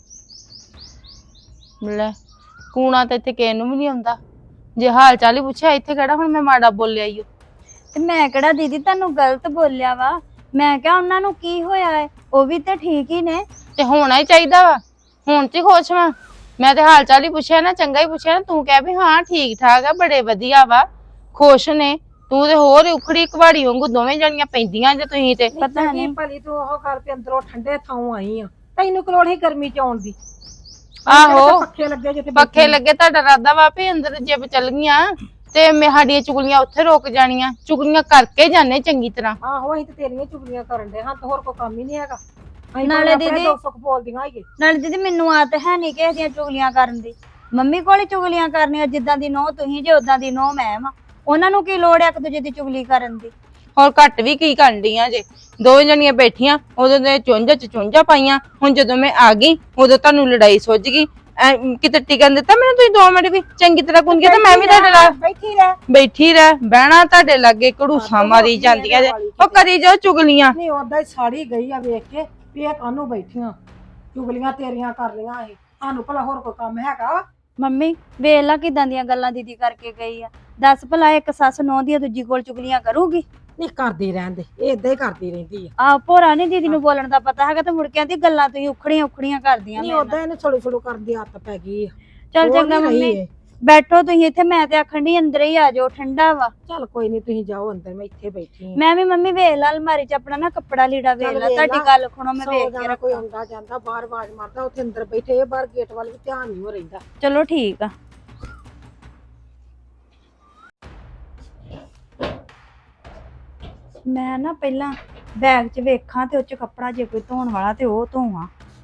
E: ਲੈ ਕੂਣਾ ਤਾਂ ਇੱਥੇ ਕਿਸੇ ਨੂੰ ਵੀ ਨਹੀਂ ਆਉਂਦਾ, ਜੇ ਹਾਲ ਚਾਲ ਹੀ ਪੁੱਛਿਆ ਇੱਥੇ ਕਿਹੜਾ ਹੁਣ ਮੈਂ ਮਾੜਾ ਬੋਲਿਆ ਈ ਓ।
B: ਤੇ ਮੈਂ ਕਿਹੜਾ ਦੀਦੀ ਤੁਹਾਨੂੰ ਗਲਤ ਬੋਲਿਆ ਵਾ? ਮੈਂ ਕਿਹਾ ਉਹਨਾਂ ਨੂੰ ਕੀ ਹੋਇਆ ਹੈ, ਉਹ ਵੀ ਤੇ ਠੀਕ ਹੀ ਨੇ।
E: ਤੇ ਹੋਣਾ ਹੀ ਚਾਹੀਦਾ ਵਾ, ਹੁਣ ਚ ਖੁਸ਼ ਵਾਂ ਮੈਂ ਤੇ ਹਾਲ ਚਾਲ ਹੀ ਪੁੱਛਿਆ ਨਾ, ਚੰਗਾ ਹੀ ਪੁੱਛਿਆ ਨਾ। ਤੂੰ ਕਹਿ ਵੀ ਹਾਂ ਠੀਕ ਠਾਕ ਆ, ਬੜੇ ਵਧੀਆ ਵਾ, ਖੁਸ਼ ਨੇ। ਤੂੰ ਤੇ ਹੋਰ ਹੀ ਉਖੜੀ ਕਵਾੜੀ ਵਾਂਗੂ ਦੋਵੇਂ ਜਣੀਆਂ ਪੈਂਦੀਆਂ ਜੇ ਤੁਸੀਂ ਤੇ।
B: ਪਤਾ ਨਹੀਂ
F: ਭਲੀ ਤੂੰ ਉਹ ਕਰ ਕੇ ਅੰਦਰੋਂ ਠੰਡੇ ਥਾਂ ਆਈ ਆ, ਤੈਨੂੰ ਕਿ ਲੋੜ ਹੀ ਗਰਮੀ ਚ ਆਉਣ ਦੀ।
E: ਆਹੋ
F: ਪੱਖੇ ਲੱਗੇ ਜਿੱਥੇ
E: ਪੱਖੇ ਲੱਗੇ, ਤੁਹਾਡਾ ਰਾਦਾ ਵਾ ਵੀ ਅੰਦਰ ਜੇ ਚੱਲ ਗਈਆਂ ਤੇ ਮੈਂ ਸਾਡੀਆਂ ਚੁਗਲੀਆਂ ਉੱਥੇ ਰੁਕ ਜਾਣੀਆਂ। ਚੁਗਲੀਆਂ ਕਰਕੇ ਜਾਣੇ ਚੰਗੀ ਤਰ੍ਹਾਂ।
F: ਆਹੋ ਅਸੀਂ ਤੇ ਤੇਰੀਆਂ ਚੁਗਲੀਆਂ ਕਰਨ ਦੇ ਹਾਂ, ਤੇ ਹੋਰ ਕੋਈ ਕੰਮ ਹੀ ਨਹੀਂ ਹੈਗਾ। ਅਸੀਂ
B: ਨਾਲੇ
F: ਆਪਣੇ
B: ਦੀਦੀ-
F: ਦੁੱਖ ਸੁੱਖ ਬੋਲਦੀਆਂ ਹੈਗੇ।
B: ਨਾਲੇ ਦੀਦੀ ਮੈਨੂੰ ਆਦਤ ਹੈ ਨਹੀਂ ਕਿਸੇ ਦੀਆਂ ਚੁਗਲੀਆਂ ਕਰਨ ਦੀ। ਮੰਮੀ ਕੋਲ ਹੀ ਚੁਗਲੀਆਂ ਕਰਨੀਆਂ, ਜਿੱਦਾਂ ਦੀ ਨੋਹ ਤੁਸੀਂ ਜੇ ਉਦਾਂ ਦੀ ਨੋਹ ਮੈਂ ਵਾਂ। ਉਹਨਾਂ ਨੂੰ ਕੀ ਲੋੜ ਹੈ ਇੱਕ ਦੂਜੇ ਦੀ ਚੁਗਲੀ ਕਰਨ ਦੀ?
E: ਹੋਰ ਘੱਟ ਵੀ ਕੀ ਕਰਨ ਡੀਆਂ ਜੇ? ਦੋ ਜਣੀਆਂ ਬੈਠੀਆਂ ਉਦੋਂ ਦੇ ਚੁੰਝਾਂ ਪਾਈਆਂ, ਹੁਣ ਜਦੋਂ ਮੈਂ ਆ ਗਈ ਉਦੋਂ ਤੁਹਾਨੂੰ ਲੜਾਈ ਸੁੱਝ ਗਈ। ਕਿਤੇ ਟਿਕਣ ਦਿੱਤਾ ਮੈਨੂੰ ਤੁਸੀਂ 2 ਮਿੰਟ ਵੀ? ਚੰਗੀ ਤਰ੍ਹਾਂ ਕੁੰਗੀ ਤਾਂ ਮੈਂ ਵੀ ਤੁਹਾਡੇ ਨਾਲ ਬੈਠੀ ਰਹਿ। ਬਹਿਣਾ ਤੁਹਾਡੇ ਲਾਗੇ ਘੜੂਸਾ ਮਾਰੀ ਜਾਂਦੀਆਂ ਜੇ, ਉਹ ਕਰੀ ਜਾਓ ਚੁਗਲੀਆਂ।
F: ਨਹੀਂ ਓਦਾਂ ਹੀ ਸਾੜੀ ਗਈ ਆ ਵੇਖ ਕੇ ਵੀ ਇਹ ਕਾਹਨੂੰ ਬੈਠੀਆਂ ਚੁਗਲੀਆਂ ਤੇਰੀਆਂ ਕਰ ਲਈਆਂ। ਇਹ ਸਾਨੂੰ ਭਲਾ ਹੋਰ ਕੋਈ ਕੰਮ ਹੈਗਾ?
B: ਮੰਮੀ ਵੇਖ ਲਾ ਕਿਦਾਂ ਦੀਆਂ ਗੱਲਾਂ ਦੀਦੀ ਕਰਕੇ ਗਈ ਆ। ਦੱਸ ਭਲਾ ਇੱਕ ਸੱਸ ਨੋਹ ਦੀ ਦੂਜੀ ਕੋਲ ਚੁਗਲੀਆਂ ਕਰੂਗੀ?
F: ਨਹੀਂ ਕਰਦੀ ਰਹਿਣ ਦੇ, ਇਹ ਏਦਾਂ ਹੀ ਕਰਦੀ ਰਹਿੰਦੀ ਆ।
B: ਆ ਭੋਰਾ ਨੀ ਦੀਦੀ ਨੂੰ ਬੋਲਣ ਦਾ ਪਤਾ ਹੈਗਾ, ਤੇ ਮੁੜ ਕੇ ਆਂਦੀ ਗੱਲਾਂ ਤੁਸੀਂ ਉਖੜੀਆਂ ਕਰਦੀਆਂ
F: ਨਹੀਂ
B: ਮੇਰੇ ਨਾਲ।
F: ਓਦਾਂ ਇਹਨੇ ਛੋੜੋ ਕਰਨ ਦੀ ਆਦਤ ਪੈ ਗਈ ਆ।
B: ਚੱਲ
F: ਹੋਰ
B: ਚੰਗਾ
F: ਨੀ ਰਹੀ
B: ਮੰਮੀ
F: ਇਹ।
B: ਬੈਠੋ ਤੁਸੀਂ ਇੱਥੇ, ਮੈਂ ਤੇ ਆਖਣ ਦੀ ਅੰਦਰ ਹੀ ਆ ਜਾਓ, ਠੰਡਾ ਵਾ।
F: ਚੱਲ ਕੋਈ ਨਹੀਂ ਤੁਸੀਂ ਜਾਓ ਅੰਦਰ, ਮੈਂ ਇੱਥੇ ਬੈਠੀ ਆ।
B: ਮੈਂ ਵੀ ਮੰਮੀ ਵੇਖ ਲਾ ਅਲਮਾਰੀ ਚ ਆਪਣਾ ਨਾ ਕੱਪੜਾ ਲੀੜਾ ਵੇਖ
F: ਚੱਲ
B: ਲਾ,
F: ਵੇਖ
B: ਤੁਹਾਡੀ
F: ਲਾ।
B: ਗੱਲ ਸੁਣੋ ਮੈਂ
F: ਸੌ
B: ਵੇਖ ਕੇ
F: ਜਾਣਾ ਕੋਈ
B: ਰੱਖਾਂ।
F: ਆਉਂਦਾ ਜਾਂਦਾ ਬਾਹਰ ਆਵਾਜ਼ ਮਾਰਦਾ, ਉੱਥੇ ਅੰਦਰ ਬੈਠੇ ਇਹ ਬਾਹਰ ਗੇਟ ਵੱਲ ਵੀ ਧਿਆਨ ਨਹੀਂ ਹੋ ਰਹਿੰਦਾ।
B: ਚਲੋ ਠੀਕ ਆ। ਮੈਂ ਨਾ ਪਹਿਲਾਂ ਬੈਗ 'ਚ ਵੇਖਾਂ ਤੇ ਉਹ 'ਚ ਕੱਪੜਾ ਜੇ ਕੋਈ ਧੋਣ ਵਾਲਾ ਤੇ ਉਹ ਧੋਵਾਂ।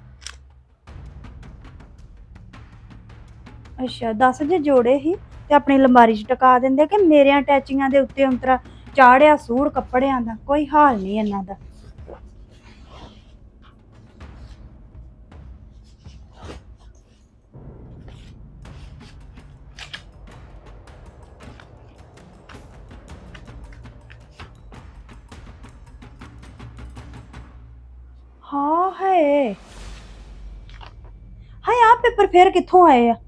B: ਅੱਛਾ 10 ਜੇ ਜੋੜੇ ਹੀ ਤੇ ਆਪਣੀ ਅਲਮਾਰੀ 'ਚ ਟਕਾ ਦਿੰਦੇ ਕਿ ਮੇਰਿਆਂ ਅਟੈਚੀਆਂ ਦੇ ਉੱਤੇ ਅੰਤਰਾ ਚਾੜਿਆ ਸੂੜ ਕੱਪੜਿਆਂ ਦਾ, ਕੋਈ ਹਾਲ ਨਹੀਂ ਇਹਨਾਂ ਦਾ। ਹਾਂ ਹੈ ਹਾਏ, ਆ ਪੇਪਰ ਫੇਰ ਕਿੱਥੋਂ ਆਏ ਆ?